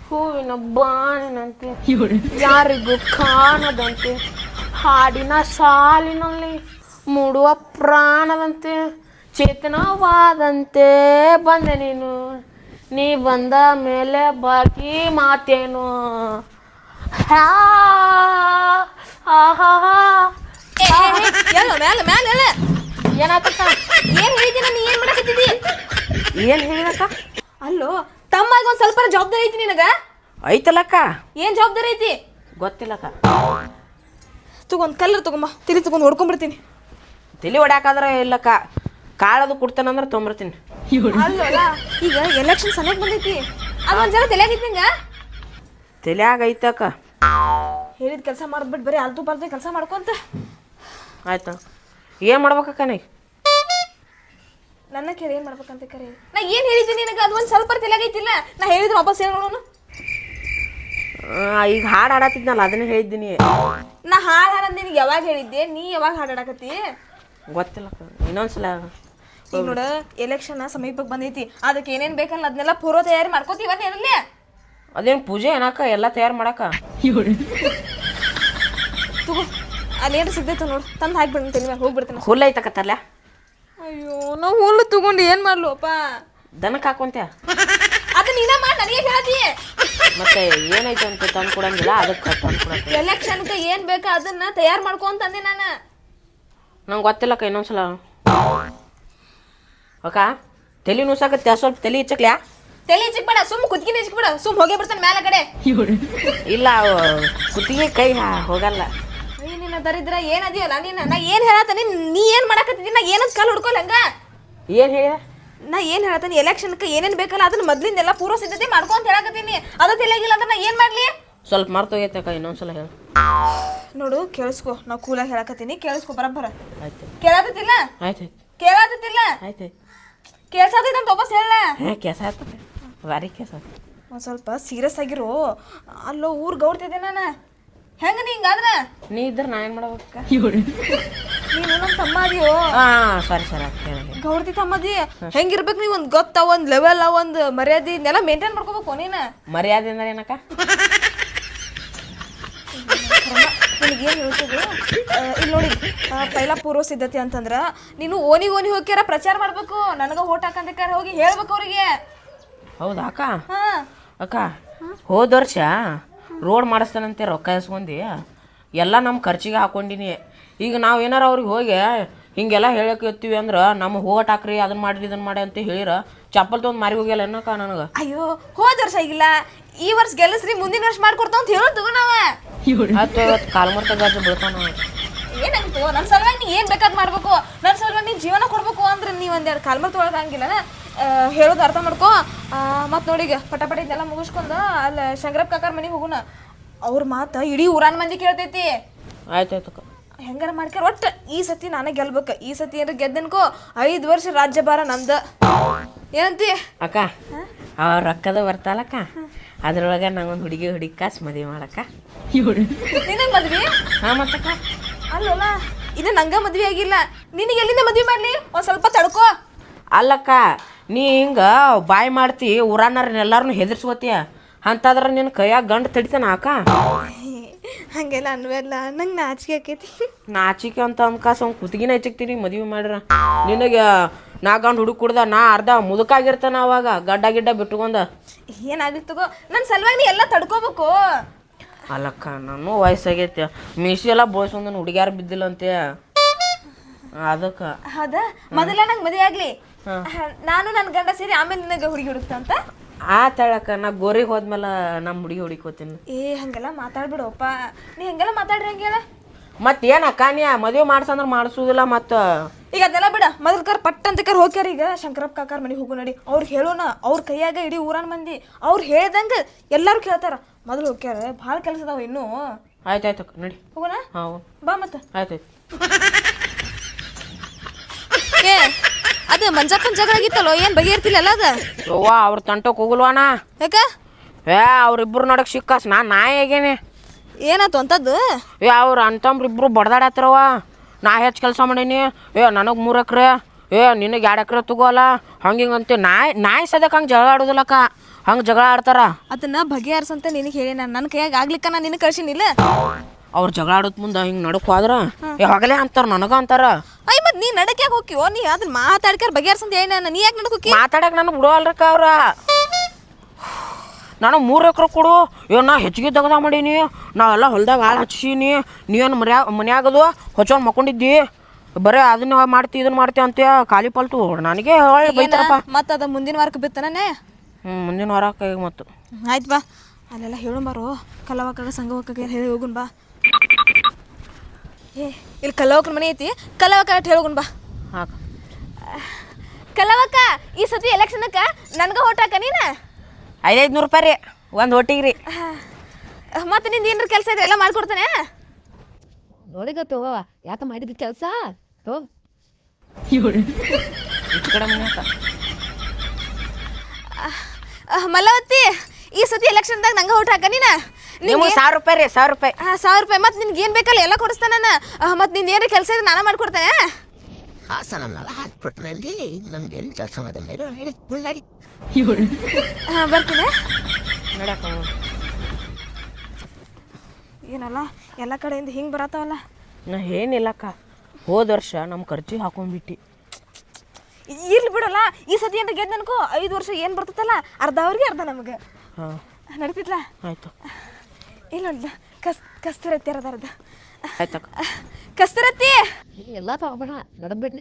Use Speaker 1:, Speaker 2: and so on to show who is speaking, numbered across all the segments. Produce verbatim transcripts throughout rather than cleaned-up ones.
Speaker 1: ಹೂವಿನ ಬಾನಿನಂತೆ ಯಾರಿಗೂ ಕಾಣದಂತೆ ಹಾಡಿನ ಸಾಲಿನಲ್ಲಿ ಮೂಡುವ ಪ್ರಾಣದಂತೆ ಚೇತನವಾದಂತೆ ಬಂದೆ ನೀನು ನೀ ಬಂದ ಮೇಲೆ ಬಾಕಿ ಮಾತೇನು ಹಾ ಹಾ ಏನಾತಕ್ಕ
Speaker 2: ಏನ್ ಹೇಳಿದಿನ ನೀ ಏನ್ ಮಾಡಕತ್ತಿದ್ದಿ
Speaker 1: ಏನ್ ಹೇಳಿದಕ್ಕ
Speaker 2: ಅಲ್ಲೋ ತಮ್ಮಾಗ ಒಂದ್ ಸ್ವಲ್ಪ ಜವಾಬ್ದಾರಿ ಐತಿ ನಿನಗ
Speaker 1: ಐತಲಕ್ಕ
Speaker 2: ಏನ್ ಜವಾಬ್ದಾರಿ ಐತಿ
Speaker 1: ಗೊತ್ತಿಲ್ಲಕ್ಕ
Speaker 2: ತಗೊಂಡ್ ಕಲ್ಲರ್ ತಗೊಂಬ ತಿಳಿ ತಗೊಂಡ್ ಹೊಡ್ಕೊಂಡ್ಬಿಡ್ತೀನಿ
Speaker 1: ತಲೆ ಹೊಡ್ಯಾಕಾದ್ರೆ ಇಲ್ಲಕ್ಕ ಕಾಳದು ಕೊಡ್ತಾನಂದ್ರೆ ತೊಂಬರ್ತೀನಿ
Speaker 2: ಅಲ್ಲೋಲ್ಲ ಈಗ ಎಲೆಕ್ಷನ್ ಸಮಯಕ್ಕೆ ಬಂದೈತಿ ಅದೊಂದ್ ಜನ ತಲೆಯಾಗೈತಿ ನಿಂಗ
Speaker 1: ತಲೆಯಾಗ ಐತಕ್ಕ
Speaker 2: ಹೇಳಿದ ಕೆಲಸ ಮಾಡ್ಬಿಟ್ಟು ಬರೀ ಅಲ್ತು ಪಾಲ್ತು ಕೆಲಸ ಮಾಡ್ಕೊಂತ
Speaker 1: ಆಯ್ತಾ ಏನು ಮಾಡ್ಬೇಕಕ್ಕ ನೀ
Speaker 2: ನನ್ನ ಕೇಳಿ ಏನ್ ಮಾಡ್ಬೇಕಂತ ಕರೆ ನಾ ಏನ್ ಹೇಳಿದ್ದೀನಿ ನಿನಗ ಅದು ಒಂದ್ ಸ್ವಲ್ಪ ತಲೆಯಾಗೈತಿಲ್ಲ ನಾ ಹೇಳಿದ್ರೆ ವಾಪಸ್ ಏನ್ ನೋಡೋನು
Speaker 1: ಈಗ ಹಾಡು ಹಾಡತ್ತಿದ್ನಲ್ಲ ಅದನ್ನೇ ಹೇಳಿದ್ದೀನಿ
Speaker 2: ನಾ ಹಾಡು ಹಾಡಂದ ನಿನಗೆ ಯಾವಾಗ ಹೇಳಿದ್ದೆ ನೀ ಯಾವಾಗ ಹಾಡಾಡಕತ್ತಿ
Speaker 1: ಗೊತ್ತಿಲ್ಲಕ್ಕ ಇನ್ನೊಂದ್ಸಲ
Speaker 2: ಈಗ ನೋಡ ಎಲೆಕ್ಷನ್ ಸಮೀಪಕ್ಕೆ ಬಂದೈತಿ ಅದಕ್ಕೆ ಏನೇನ್ ಬೇಕಲ್ಲ ಅದನ್ನೆಲ್ಲ ಪೂರ್ವ ತಯಾರಿ ಮಾಡ್ಕೋತೀವ ಏನಲ್ಲಿ
Speaker 1: ಅದೇನು ಪೂಜೆ ಏನಕ್ಕ ಎಲ್ಲ ತಯಾರು ಮಾಡಕ್ಕ
Speaker 2: ತಗೋ ಅಲ್ಲಿ ಏನು ಸಿಗ್ತೈತೆ ನೋಡು ತಂದು ಹಾಕ್ಬಿಡ್ತೀನಿ ಮೇಲೆ ಹೋಗ್ಬಿಡ್ತೇನೆ
Speaker 1: ಹುಲ್ಲು ಐತಕ್ಕ ತರ್ಲೆ
Speaker 2: ಅಯ್ಯೋ ನಾವು ಹುಲ್ಲು ತಗೊಂಡು ಏನು ಮಾಡ್ಲಪ್ಪ
Speaker 1: ದನಕ್ಕೆ ಹಾಕೊಂತೆ
Speaker 2: ಅದು ನೀನ ಮಾಡಿ ನನಗೆ ಹೇಳ್ತಿ
Speaker 1: ಮತ್ತೆ ಏನೈತೆ ಅಂತ ತಂದು ಕೊಡಂಗಿಲ್ಲ ಅದಕ್ಕೆ ತಂದು ಕೊಡಕ್ಕೆ
Speaker 2: ಎಲೆಕ್ಷನ್ಗೆ ಏನು ಬೇಕಾ ಅದನ್ನ ತಯಾರು ಮಾಡ್ಕೊ ಅಂತಂದೆ ನಾನು
Speaker 1: ನಂಗೆ ಗೊತ್ತಿಲ್ಲಕ್ಕ ಇನ್ನೊಂದ್ಸಲ ಅಕ್ಕ ತಲೆ ನುಸಾಕತ್ತೆ ಸ್ವಲ್ಪ ತಲೆ ಇಚ್ಚಕ್ಲ್ಯಾ
Speaker 2: ತಲೆ ಚಿಕ್ಬೇಡ ಸುಮ್ ಕುತ್ಕಿನ ಚಿಕ್ಬೇಡ ಸುಮ್ ಹೋಗೇ ಬಿಡ್ತಾನೆ ಮೇಲೆ ಕಡೆ
Speaker 1: ಇಲ್ಲ ಕುತ್ತಿಗೆ ಕೈ ಹೋಗಲ್ಲ
Speaker 2: ಅಯ್ಯ ನಿನ್ನ ದರಿದ್ರ ಏನದಿಯಲ್ಲ ನೀನು ನಾ ಏನು ಹೇಳತ್ತೀನಿ ನೀ ಏನು ಮಾಡಕತ್ತಿದ್ದೀನಿ ನಾ ಏನಂತ ಕಾಲು ಹುಡ್ಕೊಲ್ಲ ಹಂಗ
Speaker 1: ಏನು ಹೇಳ
Speaker 2: ನಾ ಏನು ಹೇಳತ್ತೀನಿ ಎಲೆಕ್ಷನ್ಗೆ ಏನೇನು ಬೇಕಲ್ಲ ಅದನ್ನ ಮೊದ್ಲಿಂದೆಲ್ಲ ಪೂರ್ವ ಸಿದ್ಧತೆ ಮಾಡ್ಕೊ ಅಂತ ಹೇಳಕತ್ತೀನಿ ಅದು ತಿಳಿಯಾಗಿಲ್ಲ ಅಂದ್ರೆ ನಾ ಏನು ಮಾಡಲಿ
Speaker 1: ಸ್ವಲ್ಪ ಮರ್ತೋಗೈತಕ್ಕ ಇನ್ನೊಂದ್ಸಲ ಹೇಳ
Speaker 2: ನೋಡು ಕೇಳಿಸ್ಕೊ ನಾವು ಕೂಲಾಗಿ ಹೇಳಕತ್ತೀನಿ ಕೇಳಿಸ್ಕೊ ಬರಬ್ಬರ
Speaker 1: ಆಯ್ತು
Speaker 2: ಕೇಳಾತತಿಲ್ಲ
Speaker 1: ಆಯ್ತು
Speaker 2: ಕೇಳಾತತಿಲ್ಲ
Speaker 1: ಆಯ್ತು
Speaker 2: ಕೇಳ್ಸಾತೈತೆ ಅಂತ ವಾಪಸ್ ಹೇಳ
Speaker 1: ಹಾಂ ಕೆಸ ಆಯ್ತದೆ ಭಾರಿ ಕೆಸ
Speaker 2: ಒಂದು ಸ್ವಲ್ಪ ಸೀರಿಯಸ್ ಆಗಿರು ಅಲ್ಲೋ ಊರು ಗೌಡ್ತಿದ್ದೆ ನಾನು ಹೆಂಗ ನೀ ಹಿಂಗಾದ್ರ
Speaker 1: ನೀ ಇದ್ರೆ ನಾ ಏನು ಮಾಡ್ಬೇಕ
Speaker 2: ನೀನು ನಮ್ಮ ತಮ್ಮ ಅದೀಯೋ
Speaker 1: ಹಾಂ ಸರಿ ಸರಿ ಹೇಳಿ
Speaker 2: ಗೌಡ್ತಿ ತಮ್ಮದಿ ಹೆಂಗಿರ್ಬೇಕು ನೀವು ಒಂದು ಗೊತ್ತ ಒಂದು ಲೆವೆಲ್ ಒಂದು ಮರ್ಯಾದೆ ಇದನ್ನೆಲ್ಲ ಮೇಂಟೈನ್ ಮಾಡ್ಕೋಬೇಕು ನೀನು
Speaker 1: ಮರ್ಯಾದೆ ಅಂದ್ರೆ ಏನಕ್ಕ
Speaker 2: ನಿನಗೇನು ಹೇಳ್ತಿದ್ರು ಇಲ್ಲಿ ನೋಡಿ ಪೈಲ ಪೂರ್ವ ಸಿದ್ಧತೆ ಅಂತಂದ್ರೆ ನೀನು ಓನಿ ಓನಿ ಹೋಗ್ಯಾರ ಪ್ರಚಾರ ಮಾಡ್ಬೇಕು ನನಗೆ ಓಟ್ ಹಾಕಂತಕ್ಕಾರ ಹೋಗಿ ಹೇಳ್ಬೇಕು ಅವ್ರಿಗೆ
Speaker 1: ಹೌದಾ ಅಕ್ಕ
Speaker 2: ಹಾಂ
Speaker 1: ಅಕ್ಕ ಹೋದ ವರ್ಷ ರೋಡ್ ಮಾಡಿಸ್ತಾನಂತೆ ರೊಕ್ಕ ಇಸ್ಕೊಂಡಿ ಎಲ್ಲ ನಮ್ಮ ಖರ್ಚಿಗೆ ಹಾಕೊಂಡಿನಿ ಈಗ ನಾವು ಏನಾರ ಅವ್ರಿಗೆ ಹೋಗಿ ಹಿಂಗೆಲ್ಲ ಹೇಳಕ್ಕೆ ಇರ್ತೀವಿ ಅಂದ್ರೆ ನಮ್ಮ ಓಟ್ ಹಾಕ್ರಿ ಅದನ್ನ ಮಾಡಿರಿ ಇದನ್ನ ಮಾಡಿ ಅಂತ ಹೇಳಿರ ಚಪ್ಪಲ್ ತೊಗೊಂಡು ಮಾರಿ ಹೋಗ್ಯಲ್ಲ ಏನಕ್ಕ ನನಗೆ
Speaker 2: ಅಯ್ಯೋ ಹೋದ ವರ್ಷ ಆಗಿಲ್ಲ ಈ ವರ್ಷ ಗೆಲ್ಲಿಸ್ರಿ ಮುಂದಿನ ವರ್ಷ ಮಾಡ್ಕೊಡ್ತಾವ ಅಂತ ಹೇಳೋದು ತಗೋ ನಾವ
Speaker 1: ಹತ್ತು ಇವತ್ತು ಕಾಲ್ಮರ್ತ ಗಾಜು ಬೀಳ್ತಾನ
Speaker 2: ಏನಾಗ್ತು ನನ್ನ ಸಲುವಾಗಿ ನೀ ಏನು ಬೇಕಾದ್ ಮಾಡ್ಬೇಕು ನನ್ನ ಸಲುವಾಗಿ ನೀನು ಜೀವನ ಕೊಡ್ಬೇಕು ಅಂದ್ರೆ ನೀವು ಒಂದೆರಡು ಕಾಲ್ಮರ್ ತೊಗೊಳಕಂಗಿಲ್ಲ ಹೇಳೋದು ಅರ್ಥ ಮಾಡ್ಕೊ ಮತ್ತು ನೋಡಿಗ ಪಟಪಟ ಇದೆಲ್ಲ ಮುಗಿಸ್ಕೊಂಡು ಅಲ್ಲಿ ಶಂಕರಪ್ಪ ಕಾಕಾರ ಮನೆಗೆ ಹೋಗೋಣ ಅವ್ರ ಮಾತು ಇಡೀ ಊರಾನ ಮಂದಿ ಕೇಳ್ತೈತಿ
Speaker 1: ಆಯ್ತಾಯ್ತಕ್ಕ
Speaker 2: ಹೆಂಗಾರ ಮಾಡ್ಕ್ಯಾರ ಒಟ್ಟು ಈ ಸತಿ ನಾನೇ ಗೆಲ್ಬೇಕು ಈ ಸತಿ ಏನಾರ ಗೆದ್ದನ್ಕೋ ಐದು ವರ್ಷ ರಾಜ್ಯಭಾರ ನಂದು ಏನಂತಿ
Speaker 1: ಅಕ್ಕ ಅವ್ರ ರೊಕ್ಕದ ಬರ್ತಾಲಕ್ಕ ಅದ್ರೊಳಗೆ ನಂಗೊಂದು ಹುಡುಗಿ ಹುಡುಗಿ ಕಾಸು ಮದುವೆ ಮಾಡಕ್ಕ
Speaker 2: ನಿನಗೆ ಮದ್ವಿ
Speaker 1: ಹಾಂ ಮತ್ತಕ್ಕ
Speaker 2: ಅಲ್ಲಲ್ಲ ಇದು ನಂಗೆ ಮದ್ವೆ ಆಗಿಲ್ಲ ನಿನಗೆ ಎಲ್ಲಿಂದ ಮದ್ವೆ ಮಾಡಲಿ ಒಂದು ಸ್ವಲ್ಪ ತಡ್ಕೋ
Speaker 1: ಅಲ್ಲಕ್ಕ ನೀ ಹಿಂಗೆ ಬಾಯ್ ಮಾಡ್ತಿ ಊರಾನವ್ರನ್ನ ಎಲ್ಲಾರನ್ನು ಹೆದರ್ಸ್ಕೋತೀಯ ಅಂತಂದ್ರೆ ನಿನ್ನ ಕೈಯಾಗ ಗಂಡು ತಡಿತಾನ ಅಕ್ಕ
Speaker 2: ಹಂಗೆಲ್ಲ ಅನ್ವಲ್ಲ ನಂಗೆ ನಾಚಿಕೆ ಆಕೈತಿ
Speaker 1: ನಾಚಿಕೆ ಅಂತ ಅಂದ್ಕಾಸ ಅವ್ನು ಕುತ್ತಿಗೆನ ಹೆಚ್ಚಕ್ತೀನಿ ಮದುವೆ ಮಾಡ್ರ ನಿನಗೆ ನಾ ಗಂಡು ಹುಡುಗ ಕುಡ್ದ ನಾ ಅರ್ಧ ಮುದುಕಾಗಿರ್ತಾನ ಅವಾಗ ಗಡ್ಡ ಗಿಡ್ಡ ಬಿಟ್ಕೊಂಡ
Speaker 2: ಏನಾಗಿತ್ತು ನನ್ನ ಸಲುವಾಗಿ ನೀ ಎಲ್ಲ ತಡ್ಕೋಬೇಕು
Speaker 1: ಅಲ್ಲಕ್ಕ ನಾನು ವಯಸ್ಸಾಗೈತೆ ಮೀಸಿ ಎಲ್ಲ ಬೋಳ್ಸೊಂದು ಹುಡುಗ್ಯಾರ ಬಿದ್ದಿಲ್ಲ ಅಂತೆ ಅದಕ್ಕೆ
Speaker 2: ಹೌದಾ ಮೊದಲ ನಂಗೆ ಮದುವೆ ಆಗ್ಲಿ ನಾನು ನನ್ನ ಗಂಡ ಸೇರಿ ಆಮೇಲೆ ನಿನಗೆ ಹುಡುಗಿ ಹುಡುಕ್ತ ಅಂತ
Speaker 1: ಆ ತಳಕ್ಕ ನಾ ಗೋರಿಗೆ ಹೋದ್ಮೇಲೆ ನಮ್ಮ ಹುಡುಗಿ ಹುಡುಕೋತೀನಿ
Speaker 2: ಏ ಹಂಗೆಲ್ಲ ಮಾತಾಡ್ಬಿಡಪ್ಪ ನೀ ಹಂಗೆಲ್ಲ ಮಾತಾಡ್ರಿ ಹಂಗೆಲ್ಲ
Speaker 1: ಮತ್ತೆ ಏನಕ್ಕ ನೀ ಮದುವೆ ಮಾಡ್ಸಂದ್ರೆ ಮಾಡಿಸೋದಿಲ್ಲ ಮತ್ತು
Speaker 2: ಈಗ ಅದೆಲ್ಲ ಬಿಡ ಮೊದಲು ಕರ್ ಪಟ್ ಅಂತ ಕರ್ ಹೋಗ್ಯಾರ ಈಗ ಶಂಕರಪ್ಪ ಕಾಕಾರ ಮನೆಗೆ ಹೋಗು ನಡಿ ಅವ್ರಿಗೆ ಹೇಳೋಣ ಅವ್ರ ಕೈಯಾಗ ಇಡೀ ಊರನ್ ಮಂದಿ ಅವ್ರು ಹೇಳ್ದಂಗೆ ಎಲ್ಲರೂ ಕೇಳ್ತಾರ ಮೊದಲು ಹೋಗ್ಯಾರ ಭಾಳ ಕೆಲಸ ಅದಾವ ಇನ್ನೂ
Speaker 1: ಆಯ್ತಾಯ್ತಕ್ಕ ನಡಿ
Speaker 2: ಹೋಗೋಣ
Speaker 1: ಹಾಂ
Speaker 2: ಬಾ ಮತ್ತೆ
Speaker 1: ಆಯ್ತಾಯ್ತು
Speaker 2: ಏ ಅದು ಮಂಜಪ್ಪನ ಜಗಳ ಆಗಿತ್ತಲ್ಲೋ ಏನು ಬಗೆಯಿರ್ತಿಲ್ಲ ಅದ
Speaker 1: ಅವ್ವ ಅವ್ರ ತಂಟಕ್ಕೆ ಹೋಗಲ್ವಾನ
Speaker 2: ಯಾಕ
Speaker 1: ಏ ಅವ್ರಿಬ್ರು ನಡಕ್ ಸಿಕ್ಕಾಸ್ ನಾ ನಾಯಿ ಆಗೇನೆ
Speaker 2: ಏನಾಯ್ತು ಅಂತದ್ದು
Speaker 1: ಏ ಅವ್ರು ಅಂತಂಬ್ರು ಇಬ್ರು ಬಡ್ದಾಡತ್ತಾರವ ನಾ ಹೆಚ್ಚು ಕೆಲಸ ಮಾಡೀನಿ ಏ ನನಗೆ ಮೂರು ಎಕ್ರೆ ಏ ನಿನಗೆ ಎರಡು ಎಕರೆ ತಗೋಲ್ಲ ಹಂಗೆ ಹಿಂಗಂತೆ ನಾಯಿ ನಾಯಿ ಸದ್ಯಕ್ಕೆ ಹಂಗೆ ಜಗಳ ಆಡೋದಿಲ್ಲಕ್ಕ ಹಂಗೆ ಜಗಳ ಆಡ್ತಾರ.
Speaker 2: ಅದನ್ನ ಬಗೆಹರಿಸಂತ ನಿನಗೆ ಹೇಳಿ ನಾನು ನನ್ನ ಕೈಯಾಗ ಆಗ್ಲಿಕ್ಕ ನಾನು ನಿನಗೆ ಕಳ್ಸಿನಿಲ್ಲ.
Speaker 1: ಅವ್ರು ಜಗಳ ಆಡೋದ್ ಮುಂದೆ ಹಿಂಗೆ ನಡಕ್ ಹೋದ್ರ ಯಾವಾಗಲೇ ಅಂತಾರ, ನನಗ ಅಂತಾರ.
Speaker 2: ಅಯ್ಯ ಮತ್ತೆ ನೀ ನಡಕ್ ಯಾಕೆ ಹೋಗ್ತೀವೋ? ನೀ ಅದನ್ನ ಮಾತಾಡ್ಕಾರ ಬಗೆಹರಿಸಂತ ಹೇಳಿ ನಾನು, ನೀ ಯಾಕೆ ನಡಕ್ ಹೋಗಿ?
Speaker 1: ಮಾತಾಡಕ್ ನನಗೆ ಬಿಡೋಲ್ರಕ್ಕ ಅವ್ರ. ನಾನು ಮೂರು ಎಕರೆ ಕೊಡು, ಏನು ನಾ ಹೆಚ್ಚಿಗೆ ತೆಗ್ದ ಮಾಡೀನಿ, ನಾವೆಲ್ಲ ಹೊಲ್ದಾಗ ಹಾಳು ಹಚ್ಚೀನಿ, ನೀವೇನು ಮನ್ಯಾ ಮನ್ಯಾಗದು ಹೊಚ್ಚೊಂಡು ಮಕ್ಕೊಂಡಿದ್ದಿ, ಬರೀ ಅದನ್ನ ಮಾಡ್ತಿ ಇದನ್ನ ಮಾಡ್ತಿ ಅಂತ ಖಾಲಿ ಪಲ್ತು ನನಗೆ ಹೊಳ್ಳಿ ಬೈತಾರಪ್ಪ.
Speaker 2: ಮತ್ತೆ ಅದು ಮುಂದಿನ ವಾರಕ್ಕೆ ಬಿತ್ತನೇ.
Speaker 1: ಹ್ಞೂ ಮುಂದಿನ ವಾರಕ್ಕೆ ಈಗ ಮತ್ತು
Speaker 2: ಆಯ್ತು ಬಾ, ಅಲ್ಲೆಲ್ಲ ಹೇಳು ಬಾರೋ, ಕಲ್ಲವಕ್ಕಾಗ ಸಂಘವಕ್ಕಾಗ ಹೇಳಿ ಹೋಗುನ್ ಬಾ. ಏ ಇಲ್ಲಿ ಕಲ್ಲವಕ್ಕನ ಮನೆ ಐತಿ, ಕಲ್ಲವಕ್ಕ ಅಟ್ ಹೇಳೋಗುನ್ ಬಾ.
Speaker 1: ಹಾಂ
Speaker 2: ಕಲ್ಲವಕ್ಕ, ಈ ಸತಿ ಎಲೆಕ್ಷನ್ಕ್ಕೆ ನನಗೆ ಓಟ್ ಹಾಕ ನೀನು.
Speaker 1: ಐದೈದು ನೂರು ರೂಪಾಯಿ ರೀ ಒಂದು ಒಟ್ಟಿಗೆ ರೀ.
Speaker 2: ಮತ್ತೆ ನಿಂದು ಏನಾರ ಕೆಲಸ ಇದ್ರೆ ಎಲ್ಲ ಮಾಡ್ಕೊಡ್ತಾನೆ.
Speaker 3: ನೋಡಿಗತ್ತೋ ಯಾಕ ಮಾಡಿದ ಕೆಲಸ ತೋ
Speaker 1: ಕಡೆ ಮನೆ
Speaker 2: ಮಲ್ಲವತ್ತಿ, ಈ ಸತಿ ಎಲೆಕ್ಷನ್ದಾಗ ನಂಗೆ ಓಟ್ ಹಾಕ ನೀನು.
Speaker 1: ನಿಮ್ಗೆ ಸಾವಿರ ರೂಪಾಯಿ ರೀ, ಸಾವಿರ ರೂಪಾಯಿ.
Speaker 2: ಹಾಂ ಸಾವಿರ ರೂಪಾಯಿ. ಮತ್ತೆ ನಿನ್ಗೆ ಏನು ಬೇಕಲ್ಲ ಎಲ್ಲ ಕೊಡಿಸ್ತಾನೆ ನಾನು. ಮತ್ತೆ ನಿಂದು ಏನಾರ ಕೆಲಸ ಇದ್ರೆ ನಾನು ಮಾಡ್ಕೊಡ್ತೇನೆ.
Speaker 4: ಹಾಸನಲ್ಲ ಹಾಸ್ಪಿಟ್ಲಲ್ಲಿ ನಮ್ಗೆ ಎಲ್ಲಿ ಕೆಲಸ ಮಾಡಿದ್ರೆ ಹೇಳಿ
Speaker 2: ಹಾಂ ಬರ್ತೀನಿ.
Speaker 1: ನೋಡಕ್ಕ
Speaker 2: ಏನಲ್ಲ ಎಲ್ಲ ಕಡೆಯಿಂದ ಹಿಂಗೆ ಬರತ್ತವಲ್ಲ.
Speaker 1: ನಾ ಏನಿಲ್ಲಕ್ಕ, ಹೋದ ವರ್ಷ ನಮ್ಮ ಖರ್ಚಿಗೆ ಹಾಕೊಂಡ್ಬಿಟ್ಟು.
Speaker 2: ಇರ್ಲಿ ಬಿಡಲ್ಲ, ಈ ಸತಿ ಏನಾರ ಗೆದ್ದು ಅನ್ಕೋ, ಐದು ವರ್ಷ ಏನು ಬರ್ತೈತಲ್ಲ ಅರ್ಧ ಅವ್ರಿಗೆ ಅರ್ಧ ನಮಗೆ.
Speaker 1: ಹಾಂ
Speaker 2: ನಡೀತಿತ್ಲ?
Speaker 1: ಆಯಿತು.
Speaker 2: ಇಲ್ಲ ಕಸ್ ಕಸ್ತೂರತ್ತಿ ಅರ್ಧ
Speaker 1: ಆಯ್ತಕ್ಕ.
Speaker 2: ಕಸ್ತೂರತ್ತಿ
Speaker 3: ಎಲ್ಲ ತಗೋಬೇಡ ನಡಬಿಡ್ನೆ.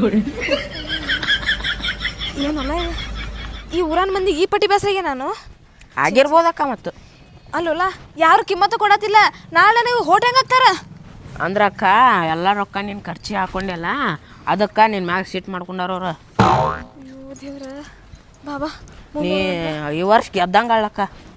Speaker 2: ಏನಲ್ಲ ಈ ಊರನ ಮಂದಿ ಈ ಪಟ್ಟಿ ಬೇಸರಿಗೆ ನಾನು
Speaker 1: ಆಗಿರ್ಬೋದಕ್ಕ. ಮತ್ತು
Speaker 2: ಅಲ್ಲಲ್ಲ ಯಾರು ಕಿಮ್ಮತ್ತು ಕೊಡತ್ತಿಲ್ಲ. ನಾಳೆ ನೀವು ಹೋಟ್ ಹೆಂಗೆ ಹಾಕ್ತಾರ
Speaker 1: ಅಂದ್ರೆ ಅಕ್ಕ ಎಲ್ಲ ರೊಕ್ಕ ನೀನು ಖರ್ಚಿಗೆ ಹಾಕೊಂಡೆಲ್ಲ, ಅದಕ್ಕೆ ನಿನ್ನ ಮ್ಯಾಗ ಸೀಟ್ ಮಾಡ್ಕೊಂಡಾರವ್ರ.
Speaker 2: ಅಯ್ಯೋ ದೇವ್ರ ಬಾಬಾ,
Speaker 1: ನೀ ಈ ವರ್ಷ ಗೆದ್ದಂಗಳಕ್ಕ.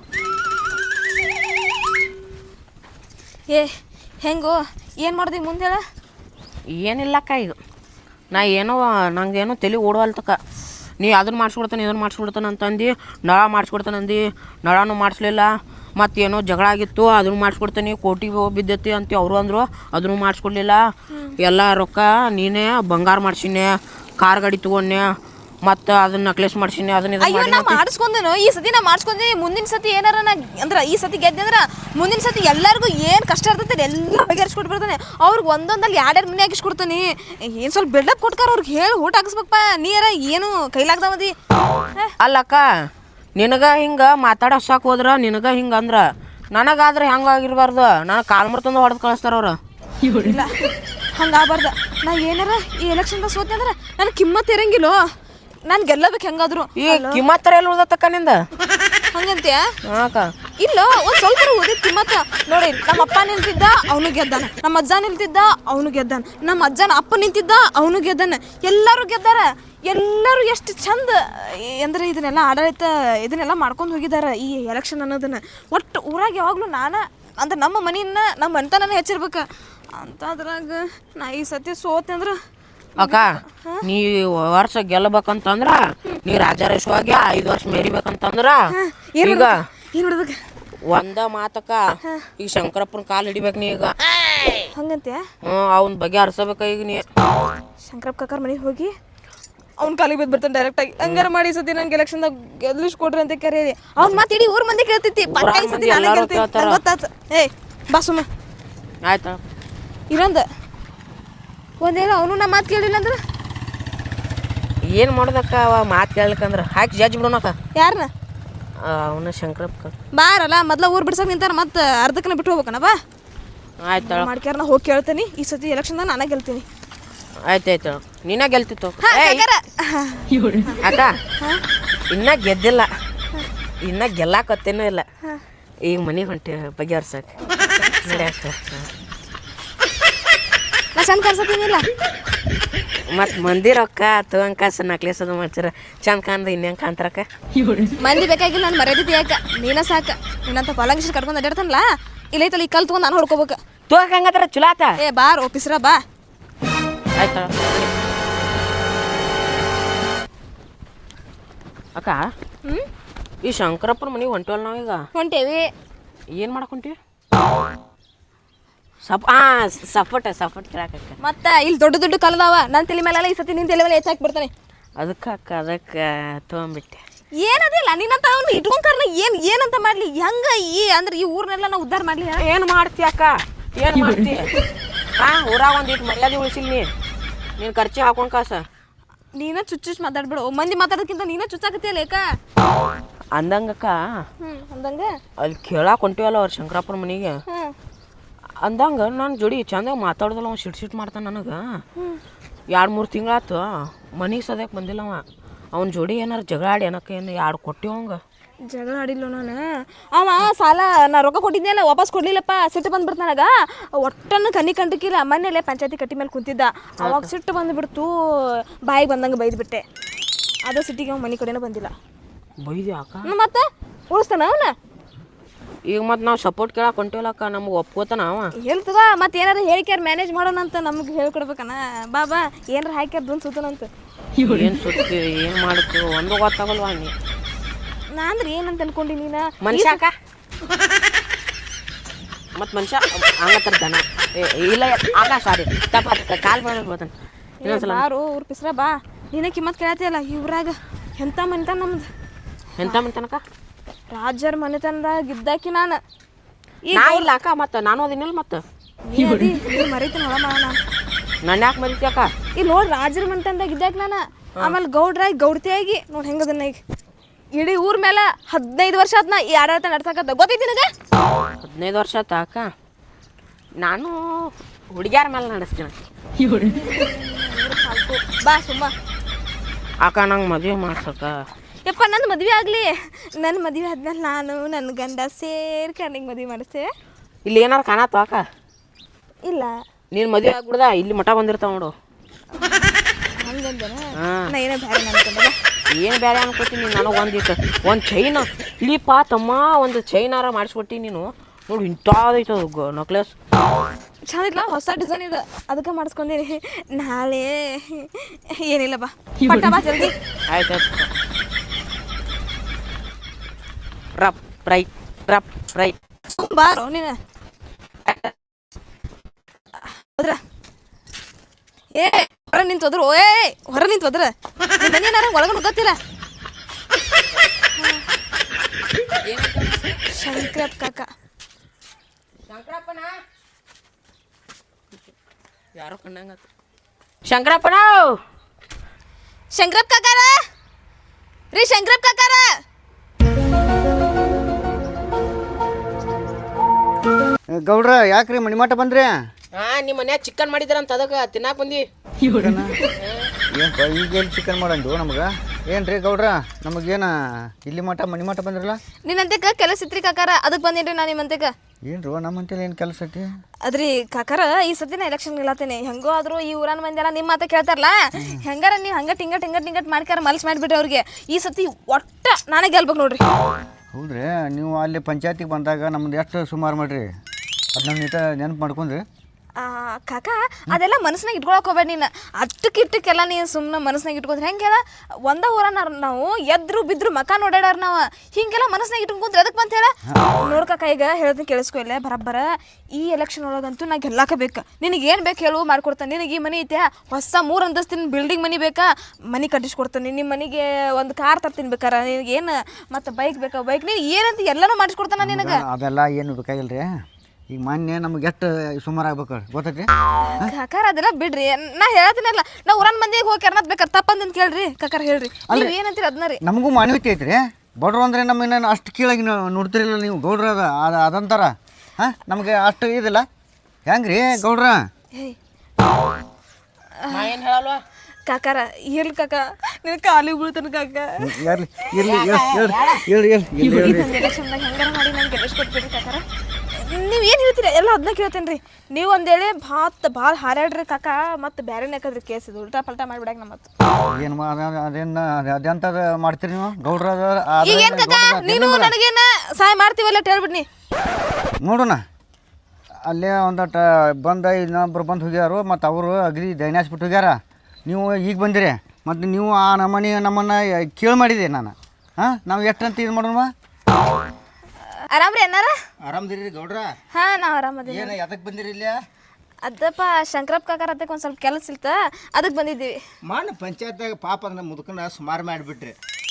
Speaker 2: ಏ ಹೆಂಗೋ ಏನು ಮಾಡ್ದಿ ಮುಂದೆ ಹೇಳ?
Speaker 1: ಏನಿಲ್ಲಕ್ಕ, ಈಗ ನಾ ಏನೋ ನಂಗೇನೋ ತಲೆ ಓಡುವಲ್ತಕ್ಕ. ನೀ ಅದನ್ನು ಮಾಡಿಸ್ಕೊಡ್ತಾನೆ ಇದನ್ನು ಮಾಡಿಸ್ಕೊಡ್ತಾನೆ ಅಂತಂದು ನಳ ಮಾಡಿಸ್ಕೊಡ್ತಾನೆ ಅಂದು, ನಳನೂ ಮಾಡಿಸ್ಲಿಲ್ಲ. ಮತ್ತೇನೋ ಜಗಳ ಆಗಿತ್ತು, ಅದನ್ನು ಮಾಡಿಸ್ಕೊಡ್ತಾನೆ, ಕೋಟಿಗೆ ಬಿದ್ದೈತಿ ಅಂತ ಅವರು ಅಂದರು, ಅದನ್ನು ಮಾಡಿಸ್ಕೊಡ್ಲಿಲ್ಲ. ಎಲ್ಲ ರೊಕ್ಕ ನೀನೇ ಬಂಗಾರ ಮಾಡ್ಸಿನಿ, ಕಾರ್ ಗಾಡಿ ತೊಗೊಂಡೆ, ಮತ್ತು ಅದನ್ನ ನಕ್ಲೆಸ್ ಮಾಡ್ಸಿನಿ, ಅದನ್ನ
Speaker 2: ಅಯ್ಯೋ ನಾ ಮಾಡಿಸ್ಕೊಂಡೇನು ಈ ಸತಿ ನಾ ಮಾಡಿಸ್ಕೊಂಡಿ. ಮುಂದಿನ ಸತಿ ಏನಾರ ನಾ ಅಂದ್ರೆ ಈ ಸತಿ ಗೆದ್ದೆ ಅಂದ್ರೆ ಮುಂದಿನ ಸತಿ ಎಲ್ಲರಿಗೂ ಏನು ಕಷ್ಟ ಇರ್ತೈತೆ ಎಲ್ಲ ಬಗೆಹರಿಸ್ಕೊಟ್ಟು ಬರ್ತಾನೆ. ಅವ್ರಿಗೆ ಒಂದೊಂದಲ್ಲಿ ಎರಡೆರಡು ಮನೆ ಹಾಕಿಸ್ಕೊಡ್ತಾನೆ. ಏನು ಸ್ವಲ್ಪ ಬಿಲ್ಡಪ್ ಕೊಟ್ಕಾರ ಅವ್ರಿಗೆ ಹೇಳಿ ಊಟ ಹಾಕಿಸ್ಬೇಕಪ್ಪ. ನೀರ ಏನು ಕೈಲಾಗ್ದಾವದಿ
Speaker 1: ಅಲ್ಲಕ್ಕ. ನಿನಗೆ ಹಿಂಗೆ ಮಾತಾಡೋ ಸಾಕು ಹೋದ್ರೆ ನಿನಗೆ ಹಿಂಗೆ ಅಂದ್ರೆ ನನಗಾದ್ರೆ ಹೆಂಗಾಗಿರ್ಬಾರ್ದು. ನನಗೆ ಕಾಲು ಮರ್ತಂದು ಹೊಡೆದು ಕಳಿಸ್ತಾರ ಅವ್ರು.
Speaker 2: ಇಲ್ಲ ಹಂಗಾಗಬಾರ್ದು. ನಾ ಏನಾರ ಈ ಎಲೆಕ್ಷನ್ದಾಗ ಸೋತೆ ಅಂದ್ರೆ ನನಗೆ ಕಿಮ್ಮತ್ತು ಇರಂಗಿಲ್ಲ. ನಾನು ಗೆಲ್ಲಬೇಕು ಹೆಂಗಾದ್ರು.
Speaker 1: ಈ ಕಿಮ್ಮತ್ತರ ಎಲ್ಲಿ ಉಳ್ದತ್ತಕ್ಕ ನಿಂದ
Speaker 2: ಹಂಗಂತ್ಯಾ?
Speaker 1: ಹಾಕ
Speaker 2: ಇಲ್ಲ ಒಂದು ಸ್ವಲ್ಪ ಓದಿದ ಕಿಮ್ಮತ್ತ ನೋಡಿ. ನಮ್ಮ ಅಪ್ಪ ನಿಂತಿದ್ದ ಅವನು ಗೆದ್ದಾನ, ನಮ್ಮ ಅಜ್ಜ ನಿಂತಿದ್ದ ಅವನು ಗೆದ್ದಾನ, ನಮ್ಮ ಅಜ್ಜನ ಅಪ್ಪ ನಿಂತಿದ್ದ ಅವನು ಗೆದ್ದಾನ. ಎಲ್ಲರೂ ಗೆದ್ದಾರ. ಎಲ್ಲರೂ ಎಷ್ಟು ಚಂದ ಅಂದ್ರೆ ಇದನ್ನೆಲ್ಲ ಆಡಳಿತ ಇದನ್ನೆಲ್ಲ ಮಾಡ್ಕೊಂಡು ಹೋಗಿದ್ದಾರೆ ಈ ಎಲೆಕ್ಷನ್ ಅನ್ನೋದನ್ನ. ಒಟ್ಟು ಊರಾಗ ಯಾವಾಗಲೂ ನಾನು ಅಂದ್ರೆ ನಮ್ಮ ಮನೆಯನ್ನ ನಮ್ಮ ಮನೆತನ ಹೆಚ್ಚಿರ್ಬೇಕು ಅಂತ. ಅದ್ರಾಗ ನಾ ಈ ಸತಿ ಸೋತೆ ಅಂದ್ರೆ
Speaker 1: ಅಕ್ಕ, ನೀ ವರ್ಷ ಗೆಲ್ಲಬೇಕಂತಂದ್ರ ನೀ ರಾಜಾರೇಶ್ವಾಗಿ ಐದು ವರ್ಷ ಮೆರಿಬೇಕಂತಂದ್ರ ಈಗ
Speaker 2: ಏನು ನೋಡ್ಬೇಕು
Speaker 1: ಒಂದ ಮಾತಕ್ಕ. ಈಗ ಶಂಕರಪ್ಪನ ಕಾಲು ಹಿಡಿಬೇಕು ನೀ ಈಗ.
Speaker 2: ಹಂಗಂತೆ
Speaker 1: ಹ್ಞೂ ಅವನ ಬಗ್ಗೆ ಹರ್ಸಬೇಕ ಈಗ ನೀ.
Speaker 2: ಶಂಕರಪ್ಪ ಕಾಕರ ಮನೆಗೆ ಹೋಗಿ ಅವ್ನ ಕಾಲಿಗೆ ಬಿದ್ದು ಬರ್ತಾನೆ ಡೈರೆಕ್ಟಾಗಿ. ಹಂಗಾರ ಮಾಡಿ ಸತಿ ನಂಗೆ ಎಲೆಕ್ಷನ್ದಾಗ ಗೆಲ್ಲಿಸ್ ಕೊಡ್ರಿ ಅಂತ ಕರೀರಿ. ಅವ್ನ ಮಾತು ಇಡೀ ಊರ್ ಮಂದಿ ಕೇಳ್ತೈತಿ. ಪಕ್ಕ ಈ ಸತಿ ನಾನೇ ಗೆಲ್ತೀನಿ ನಂಗೆ ಗೊತ್ತಾಯ್ತು. ಏಯ್ ಬಾ ಸುಮ್ಮ
Speaker 1: ಆಯ್ತಾ?
Speaker 2: ಇನ್ನೊಂದು ಒಂದೇನೋ ಅವನು ನಮ್ಮ ಮಾತು ಕೇಳಿಲ್ಲ ಅಂದ್ರೆ
Speaker 1: ಏನು ಮಾಡ್ದಕ್ಕ? ಅವ ಮಾತು ಕೇಳ್ಕಂದ್ರೆ ಹಾಕಿ ಜಡ್ಜ್ ಬಿಡೋಣಕ್ಕ.
Speaker 2: ಯಾರನ್ನ?
Speaker 1: ಅವನ ಶಂಕರಪ್ಪ
Speaker 2: ಬಾರಲ್ಲ ಮೊದ್ಲ ಊರ್ ಬಿಡ್ಸಕ್ ನಿಂತಾರ, ಮತ್ತೆ ಅರ್ಧಕ್ಕನ ಬಿಟ್ಟು ಹೋಗ್ಬೇಕನ. ಬಾ
Speaker 1: ಆಯ್ತಾಳ.
Speaker 2: ಮಾಡ್ಕ್ಯಾರ ನಾ ಹೋಗಿ ಕೇಳ್ತೀನಿ. ಈ ಸತಿ ಎಲೆಕ್ಷನ್ದಾಗ ನಾನೇ ಗೆಲ್ತೀನಿ.
Speaker 1: ಆಯ್ತಾಯ್ತು, ನೀನೇ ಗೆಲ್ತಿತ್ತು.
Speaker 2: ಹಾ, ಕಾಕಾರ.
Speaker 1: ಅಕ್ಕ ಇನ್ನ ಗೆದ್ದಿಲ್ಲ, ಇನ್ನ ಗೆಲ್ಲಾಕತ್ತೇನೂ ಇಲ್ಲ. ಈಗ ಮನೆಗೆ ಹೊಂಟಿ ಬಗೆಹರ್ಸಕ್ಕೆ ನಡ್ಯಾಕ.
Speaker 2: ನಾ ಚಂದ ಕರ್ಸತ್ತೀನಿಲ್ಲ.
Speaker 1: ಮತ್ತು ಮಂದಿ ರೊಕ್ಕ ತಗೊಂಡ್ ಕಾಸು ನಕ್ಲೇಸ್ ಅದು ಮಾಡ್ಸಿರ ಚಂದ ಕಾಣ್ದ ಇನ್ನೇನು ಕಾಂತಾರಕ್ಕ.
Speaker 2: ಮಂದಿ ಬೇಕಾಗಿಲ್ಲ, ನಾನು ಮರ್ಯಾದಿದ್ದೆ ಯಾಕ ನೀನ ಸಾಕ. ನೀನಂತ ಪಲಂಗಿಸ್ ಕಟ್ಕೊಂಡು ಅಡ್ಯಾಡ್ತಾನಲ್ಲ, ಇಲ್ಲೈತಲ್ಲ ಈ ಕಲ್ ತಗೊಂಡು ನಾನು ಹೊಡ್ಕೋಬೇಕು.
Speaker 1: ತೋಕ ಹಂಗತ್ರ ಚಲೋ ಆತ.
Speaker 2: ಏ ಬಾರ್ ಓಪಿಸ್ರ ಬಾ.
Speaker 1: ಆಯ್ತಾ ಅಕ್ಕ?
Speaker 2: ಹ್ಞೂ
Speaker 1: ಈ ಶಂಕರಪ್ಪನ ಮನೆಗೆ ಹೊಂಟಿವಲ್ಲ ನಾವೀಗ.
Speaker 2: ಹೊಂಟೇವಿ.
Speaker 1: ಏನು ಮಾಡಕೊಂತೀವಿ? ಸಪ್ ಹಾಂ ಸಪೋಟ ಸಪೋಟ್ ಕೇಳಾಕಕ್ಕ.
Speaker 2: ಮತ್ತೆ ಇಲ್ಲಿ ದೊಡ್ಡ ದೊಡ್ಡ ಕಲ್ದಾವ ನನ್ನ ತಲೆ ಮೇಲೆಲ್ಲ ಈ ಸತಿ ನಿನ್ನ ತಲೆ ಮೇಲೆ ಹೆಚ್ಚಾಕಿ ಬಿಡ್ತಾನೆ.
Speaker 1: ಅದಕ್ಕೆ ಅಕ್ಕ ಅದಕ್ಕೆ ತೊಗೊಂಬಿಟ್ಟೆ.
Speaker 2: ಏನದಿಲ್ಲ ನಿನ್ನಂತ ಅವ್ನು ಇಟ್ಕೊಂಡ್ಕಾರನ ಏನ್ ಏನಂತ ಮಾಡ್ಲಿ ಹೆಂಗ ಈ ಅಂದ್ರೆ ಈ ಊರ್ನೆಲ್ಲ ನಾವು ಉದ್ಧಾರ ಮಾಡ್ಲಿ
Speaker 1: ಏನು ಮಾಡ್ತಿ ಅಕ್ಕ ಏನು ಮಾಡ್ತಿ ಹಾ ಊರಾಗ ಒಂದಿಟ್ಟು ಮರ್ಯಾದೆ ಉಳಿಸಿಲ್ ನೀ ನೀನು ಖರ್ಚಿ ಹಾಕೊಂಡ್ ಕಾಸ
Speaker 2: ನೀನ ಚುಚ್ಚುಚ್ ಮಾತಾಡ್ಬಿಡು ಮಂದಿ ಮಾತಾಡೋದಕ್ಕಿಂತ ನೀನ ಚುಚ್ಚಾಕತಿಯಲ್ಲ ಏಕ
Speaker 1: ಅಂದಂಗಕ್ಕ
Speaker 2: ಹ್ಮ್ ಅಂದಂಗ
Speaker 1: ಅಲ್ಲಿ ಕೇಳಾಕ್ ಹೊಂಟಿವಲ್ಲ ಅವ್ರ ಶಂಕರಪ್ಪನ ಮನೆಗೆ
Speaker 2: ಹ್ಮ್
Speaker 1: ಅಂದಂಗ ನಾನು ಜೋಡಿ ಚಂದಾಗ ಮಾತಾಡ್ದಲ್ಲ ಅವ ಸಿಟ್ ಸಿಟ್ ಮಾಡ್ತಾನೆ ನನಗೆ ಎರಡು ಮೂರು ತಿಂಗಳಾತು ಮನೆಗೆ ಸದ್ಯಕ್ಕೆ ಬಂದಿಲ್ಲ ಅವ ಅವ್ನ ಜೋಡಿ ಏನಾರು ಜಗಳ ಆಡಿ ಏನಕ್ಕೆ ಏನು ಎರಡು ಕೊಟ್ಟಿವಂಗ
Speaker 2: ಜಗಳ ಆಡಿಲ್ಲ ನಾನು ಅವ ಸಾಲ ನಾ ರೊಕ್ಕ ಕೊಟ್ಟಿದ್ನಲ್ಲ ವಾಪಸ್ ಕೊಡ್ಲಿಲ್ಲಪ್ಪ ಸಿಟ್ಟು ಬಂದ್ಬಿಡ್ತು ನನಗ ಒಟ್ಟನ್ನು ಕಣ್ಣಿ ಕಂಡಕ್ಕಿಲ್ಲ ಮನೇಲೆ ಪಂಚಾಯತಿ ಕಟ್ಟಿ ಮೇಲೆ ಕುಂತಿದ್ದ ಅವಾಗ ಸಿಟ್ಟು ಬಂದುಬಿಡ್ತು ಬಾಯಿಗೆ ಬಂದಂಗೆ ಬೈದ್ಬಿಟ್ಟೆ ಅದು ಸಿಟ್ಟಿಗೆ ಅವ್ನು ಮನೆ ಕಡೆನೂ ಬಂದಿಲ್ಲ
Speaker 1: ಬೈದಿ ಅಕ್ಕ
Speaker 2: ಮತ್ತೆ ಉಳಿಸ್ತಾನ ಅವನ
Speaker 1: ಈಗ ಮತ್ತು ನಾವು ಸಪೋರ್ಟ್ ಕೇಳಕ್ಕೆ ಹೊಂಟಿವಲ್ಲಕ್ಕ ನಮ್ಗೆ ಒಪ್ಕೋತಾನ ಅವ
Speaker 2: ಹೇಳ್ತದ ಮತ್ತೆ ಏನಾರು ಹೇಳಿಕ್ಯಾರ ಮ್ಯಾನೇಜ್ ಮಾಡೋಣ ಅಂತ ನಮ್ಗೆ ಹೇಳ್ಕೊಡ್ಬೇಕನ ಬಾ ಬಾ ಏನಾರ ಹಾಕ್ಯಾರ ದುನ್ ಸುತ್ತನಂತ
Speaker 1: ಏನು ಸುತ್ತಿ ಏನು ಮಾಡುತ್ತೆ ಒಂದು ಗೊತ್ತಾಗಲ್ವಾ ನೀ
Speaker 2: ನಾ ಅಂದ್ರೆ ಏನಂತ ಅನ್ಕೊಂಡಿ ನೀನ
Speaker 1: ಮನುಷ್ಯ ಅಕ್ಕ ಮತ್ತು ಮನುಷ್ಯ ಹಂಗತ್ತರ ದನ ಏ, ಇಲ್ಲ ಆಗ ಸಾರಿ ತಪ್ಪ ಕಾಲ್ ಮಾಡೋದು ಬರ್ತಾನೆ ಇನ್ನೊಂದ್ಸಲ
Speaker 2: ಬಾರು ಊರ್ ಪಿಸ್ರ ಬಾ ನೀನ ಕಿಮ್ಮತ್ ಕೇಳತಿಯಲ್ಲ ಇವ್ರಾಗ ಎಂತ ಮನೆತನ ನಮ್ದು
Speaker 1: ಎಂತ ಮಂತನಕ
Speaker 2: ರಾಜರ ಮನೆತನದಾಗ ಇದ್ದಾಕಿ ನಾನು
Speaker 1: ನಾ ಇಲ್ಲ ಅಕ್ಕ ಮತ್ತು ನಾನು ಅದಿನಿಲ್ಲ ಮತ್ತು
Speaker 2: ಮರಿತೀನಿ ಹೊಳ ಮಾಡ ನಾನು
Speaker 1: ನನ್ನ ಯಾಕೆ ಮರಿತಿ ಅಕ್ಕ
Speaker 2: ಇಲ್ಲಿ ನೋಡಿ ರಾಜರ ಮನೆತನದಾಗ ಇದ್ದಾಕ ನಾನು ಆಮೇಲೆ ಗೌಡ್ರಾಗಿ ಗೌಡ್ತಿಯಾಗಿ ನೋಡಿ ಹೆಂಗದನ್ನ ಈಗ ಇಡೀ ಊರ್ ಮೇಲೆ ಹದಿನೈದು ವರ್ಷ ಆದ್ನ ಈ ಆಡಳಿತ ನಡ್ಸಕತ್ತ ಗೊತ್ತೈತಿ ನನಗೆ
Speaker 1: ಹದಿನೈದು ವರ್ಷ ಆತ ಅಕ್ಕ ನಾನು ಹುಡುಗ್ಯಾರ ಮೇಲೆ ನಡೆಸ್ತೀನಿ
Speaker 2: ಬಾ ಸುಮ್ಮ
Speaker 1: ಅಕ್ಕ ನಂಗೆ ಮದುವೆ ಮಾಡ್ಸಕ್ಕ
Speaker 2: ಯಪ್ಪ ನನ್ನ ಮದುವೆ ಆಗಲಿ ನನ್ನ ಮದುವೆ ಆದ್ಮೇಲೆ ನಾನು ನನ್ನ ಗಂಡ ಸೇರಿ ಕಣ್ಣಿಗೆ ಮದುವೆ ಮಾಡಿಸ್ತೇವೆ
Speaker 1: ಇಲ್ಲಿ ಏನಾರು ಕಾಣತ್ತ ಅಕ್ಕ
Speaker 2: ಇಲ್ಲ
Speaker 1: ನೀನು ಮದುವೆ ಆಗ್ಬಿಡ್ದ ಇಲ್ಲಿ ಮಠ ಬಂದಿರ್ತಾವ ನೋಡು
Speaker 2: ಹಂಗಂದನ
Speaker 1: ಹಾಂ
Speaker 2: ನಾ ಏನೋ ಬೇರೆ ಅನ್ಕೊಂಡೆ
Speaker 1: ಏನು ಬೇರೆ ಅನ್ಕೋತೀನಿ ನನಗೆ ಒಂದಿಟ್ಟು ಒಂದು ಚೈನ್ ಇಲ್ಲಿಪ್ಪ ತಮ್ಮ ಒಂದು ಚೈನಾರ ಮಾಡಿಸ್ಕೊಟ್ಟಿ ನೀನು ನೋಡಿ ಇಂಥದೈತೆ ಅದು ನಕ್ಲೆಸ್
Speaker 2: ಚಂದಿಲ್ಲ ಹೊಸ ಡಿಸೈನ್ ಇದೆ ಅದಕ್ಕೆ ಮಾಡಿಸ್ಕೊಂಡೀನಿ ನಾಳೆ ಏನಿಲ್ಲ ಬಾ ಪಟ್ಟ ಬಾ ಜಲ್ದಿ
Speaker 1: ಆಯ್ತು ಆಯ್ತು ರಪ್ ರೈಟ್ ರಪ್ ರೈಟ್
Speaker 2: ಬಾರೋ ನೀನು ಹೋದ್ರ ಏ ಹೊರ ನಿಂತು ಹೋದ್ರು ಏ ಹೊರ ನಿಂತು ಹೋದ್ರ ಮನೇನಾರ ಒಳಗಡೆ ಗೊತ್ತಿಲ್ಲ ಶಂಕರಪ್ಪ ಕಾಕ
Speaker 1: ಶಂಕರಪ್ಪನ ಯಾರೋ ಕಂಡಂಗ ಶಂಕರಪ್ಪನ
Speaker 2: ಶಂಕರಪ್ಪ ಕಾಕಾರ ರೀ ಶಂಕರಪ್ಪ ಕಾಕಾರ
Speaker 5: ಗೌಡ್ರ ಯಾಕ್ರಿ ಮಣಿಮಾಟ ಬಂದ್ರಿ
Speaker 1: ಹಾ ನಿಮ್ಮ ಮನ್ಯಾಗ ಚಿಕನ್ ಮಾಡಿದ್ರಂತ ಅದಕ್ಕೆ ತಿನ್ನಾಕ ಬಂದಿ
Speaker 5: ಏನಪ್ಪ ಈಗ ಎಲ್ಲಿ ಚಿಕನ್ ಮಾಡಂದು ನಮ್ಗೆ ಏನ್ರಿ ಗೌಡ್ರ ನಮಗೇನ ಇಲ್ಲಿ ಮಠ ಮಣಿಮಾಟ ಬಂದ್ರಲ್ಲ
Speaker 2: ನಿನ್ನಂತೆಕ ಕೆಲಸ ಇತ್ರಿ ಕಾಕಾರ ಅದಕ್ಕೆ ಬಂದೇನ್ರಿ ನಾನು ನಿಮ್ಮಂತೆಕ
Speaker 5: ಏನ್ರಿ ನಮ್ಮಂತೇಳಿ ಏನು ಕೆಲಸ ಐತಿ
Speaker 2: ಅದ್ರಿ ಕಾಕಾರ ಈ ಸತಿ ನಾ ಎಲೆಕ್ಷನ್ ನಿಲ್ಲತ್ತೇನೆ ಹೆಂಗೋ ಆದ್ರೂ ಈ ಊರನ್ ಮಂದಿ ಎಲ್ಲ ನಿಮ್ಮ ಮಾತ ಕೇಳ್ತಾರಲ್ಲ ಹೆಂಗಾರ ನೀವು ಹಂಗ ಟಿಂಗಟ್ ಟಿಂಗಟ್ ಟಿಂಗಟ್ ಮಾಡ್ಕಾರ ಮಲ್ಸ್ ಮಾಡಿಬಿಟ್ರಿ ಅವ್ರಿಗೆ ಈ ಸತಿ ಒಟ್ಟ ನಾನೇ ಗೆಲ್ಬೇಕು ನೋಡ್ರಿ
Speaker 5: ಹೌದ್ರಿ ನೀವು ಅಲ್ಲಿ ಪಂಚಾಯತಿಗೆ ಬಂದಾಗ ನಮ್ದು ಎಷ್ಟು ಸುಮಾರು ಮಾಡ್ರಿ ಅದನ್ನ ನೀಟ ನೆನಪು ಮಾಡ್ಕೊಂಡ್ರಿ
Speaker 2: ಕಾಕ ಅದೆಲ್ಲ ಮನಸ್ನಾಗ ಇಟ್ಕೊಳಕ್ ಹೋಗ್ಬೇಡ ನೀನು ಅಟ್ಟಕ್ಕೆ ಇಟ್ಟಕ್ಕೆಲ್ಲ ನೀನು ಸುಮ್ಮನೆ ಮನಸ್ನಾಗ ಇಟ್ಕೊಂಡ್ರೆ ಹೆಂಗೆ ಹೇಳ ಒಂದ ಊರನ್ನ ನಾವು ಎದ್ರು ಬಿದ್ರು ಮಕ ನೋಡ್ಯಾಡಾರ ನಾವು ಹಿಂಗೆಲ್ಲ ಮನಸ್ನಾಗ ಇಟ್ಕೊಂಡ್ರೆ ಅದಕ್ಕೆ ಬಂತ ಹೇಳ ನೋಡ್ ಕಾಕ ಈಗ ಹೇಳ್ತೀನಿ ಕೇಳಿಸ್ಕೊ ಇಲ್ಲ ಬರಬ್ಬರ ಈ ಎಲೆಕ್ಷನ್ ಒಳಗಂತೂ ನಾ ಗೆಲ್ಲಾಕ ಬೇಕು ನಿನಗೆ ಏನು ಬೇಕು ಹೇಳು ಮಾಡ್ಕೊಡ್ತಾನೆ ನಿನಗೆ ಈ ಮನೆ ಐತೆ ಹೊಸ ಮೂರು ಅಂತಸ್ತಿನ ಬಿಲ್ಡಿಂಗ್ ಮನೆ ಬೇಕಾ ಮನೆ ಕಟ್ಟಿಸ್ಕೊಡ್ತಾನೆ ನಿಮ್ಮ ಮನೆಗೆ ಒಂದು ಕಾರ್ ತರ್ತೀನಿ ಬೇಕಾರೆ ನಿನಗೆ ಏನು ಮತ್ತು ಬೈಕ್ ಬೇಕಾ ಬೈಕ್ ನೀನು ಏನಂತ ಎಲ್ಲನೂ ಮಾಡಿಸ್ಕೊಡ್ತಾನೆ ನಿನಗೆ
Speaker 5: ಅದೆಲ್ಲ ಏನು ಬೇಕಾಗಿಲ್ರಿ ಈಗ ಮೊನ್ನೆ ನಮ್ಗೆ ಎಷ್ಟು ಸುಮಾರು ಆಗ್ಬೇಕು ಗೊತ್ತೈತಿ
Speaker 2: ಕಾಕಾರ ಅದೆಲ್ಲ ಬಿಡ್ರಿ ನಾ ಹೇಳ್ತೀನಲ್ಲ ನಾ ಊರನ್ ಮಂದಿಗೆ ಹೋಗಿ ಕೆರ್ನತ್ ಬೇಕಾರೆ ತಪ್ಪಂದಿಂದ ಕೇಳ್ರಿ ಕಾಕಾರ ಹೇಳ್ರಿ ನೀವು ಏನಂತೀರಿ ಅದನ್ನ ರೀ
Speaker 5: ನಮಗೂ ಮಾನವೀಯತೆ ಐತ್ರಿ ಬಡ್ರು ಅಂದರೆ ನಮ್ಮನ್ನ ಅಷ್ಟು ಕೀಳಾಗಿ ನೋಡ್ತಿರಲಿಲ್ಲ ನೀವು ಗೌಡ್ರ ಅದ ಅದು ಅದಂತಾರ ಹಾಂ ನಮಗೆ ಅಷ್ಟು ಇದಿಲ್ಲ ಹೆಂಗ್ರಿ ಗೌಡ್ರ
Speaker 1: ಏನು ಹೇಳಲ್ವಾ
Speaker 2: ಕಾಕಾರ ಇರ್ಲಿ ಕಾಕ ನಿನ್ ಕಾಲಿಗೆ ಬೀಳ್ತಾನ ಕಾಕ
Speaker 5: ಇರ್ಲಿ ಇರ್ಲಿ ಹೇಳ್ರಿ ಹೇಳ್ರಿ ಹೇಳ್ರಿ
Speaker 2: ಎಲೆಕ್ಷನ್ದಾಗ ಹೆಂಗಾರ ಮಾಡಿ ನಂಗೆ ಗೆಲ್ಲಿಸ್ಕೊಟ್ಬಿಡ್ರಿ ಕಾಕಾರ ನೀವು ಏನು ಹೇಳ್ತೀರಿ ಎಲ್ಲ ಅದನ್ನ ಕೇಳ್ತೇನೆ ರೀ ನೀವು ಒಂದೇಳೆ ಭಾತ್ ಭಾಳ ಹಾರಾಡ್ರಿ ಕಾಕ ಮತ್ತು ಬೇರೆನೇ ಹಾಕದ್ರಿ ಕೇಸ್ ಇದು ಉಲ್ಟಾ ಪಲ್ಟಾ ಮಾಡಿಬಿಡಾಕ ನಮ್ಮ ಮತ್ತು
Speaker 5: ಏನು ಅದೇನು ಅದೆಂಥದ್ದು ಮಾಡ್ತೀರಿ ನೀವು ಗೌಡ್ರ
Speaker 2: ಈಗ ಏನು ಕಾಕ ನೀನು ನನಗೇನ ಸಹಾಯ ಮಾಡ್ತೀವಲ್ಲ ಹೇಳ್ಬಿಡ್ನಿ
Speaker 5: ನೋಡೋಣ ಅಲ್ಲೇ ಒಂದಟ ಬಂದ ಇನ್ನೊಬ್ರು ಬಂದು ಹೋಗ್ಯಾರು ಮತ್ತು ಅವರು ಅಗದಿ ದೈನಾಸ್ಬಿಟ್ಟು ಹೋಗ್ಯಾರ ನೀವು ಈಗ ಬಂದಿರಿ ಮತ್ತು ನೀವು ಆ ನಮ್ಮನೆ ನಮ್ಮನ್ನು ಕೇಳಿ ಮಾಡಿದೆ ನಾನು ಹಾಂ ನಾವು ಎಷ್ಟಂತ ಇದು ಮಾಡೋಣ
Speaker 2: ಆರಾಮ್ರಿ ಅನ್ನಾರ
Speaker 5: ಆರಾಮದಿರಿ ಗೌಡ್ರ
Speaker 2: ಹಾಂ ನಾವು ಆರಾಮದೀವಿ
Speaker 5: ಏನು ಎದಕ್ಕೆ ಬಂದಿರಿ ಇಲ್ಲ
Speaker 2: ಅದಪ್ಪ ಶಂಕರಪ್ಪ ಕಾಕಾರ ಅದಕ್ಕೆ ಒಂದು ಸ್ವಲ್ಪ ಕೆಲಸ ಇಲ್ತ ಅದಕ್ಕೆ ಬಂದಿದ್ದೀವಿ
Speaker 5: ಮಾಡ ಪಂಚಾಯತ್ದಾಗ ಪಾಪ ಅಂದ್ರೆ ಮುದುಕನ ಸುಮಾರು ಮಾಡಿಬಿಟ್ರಿ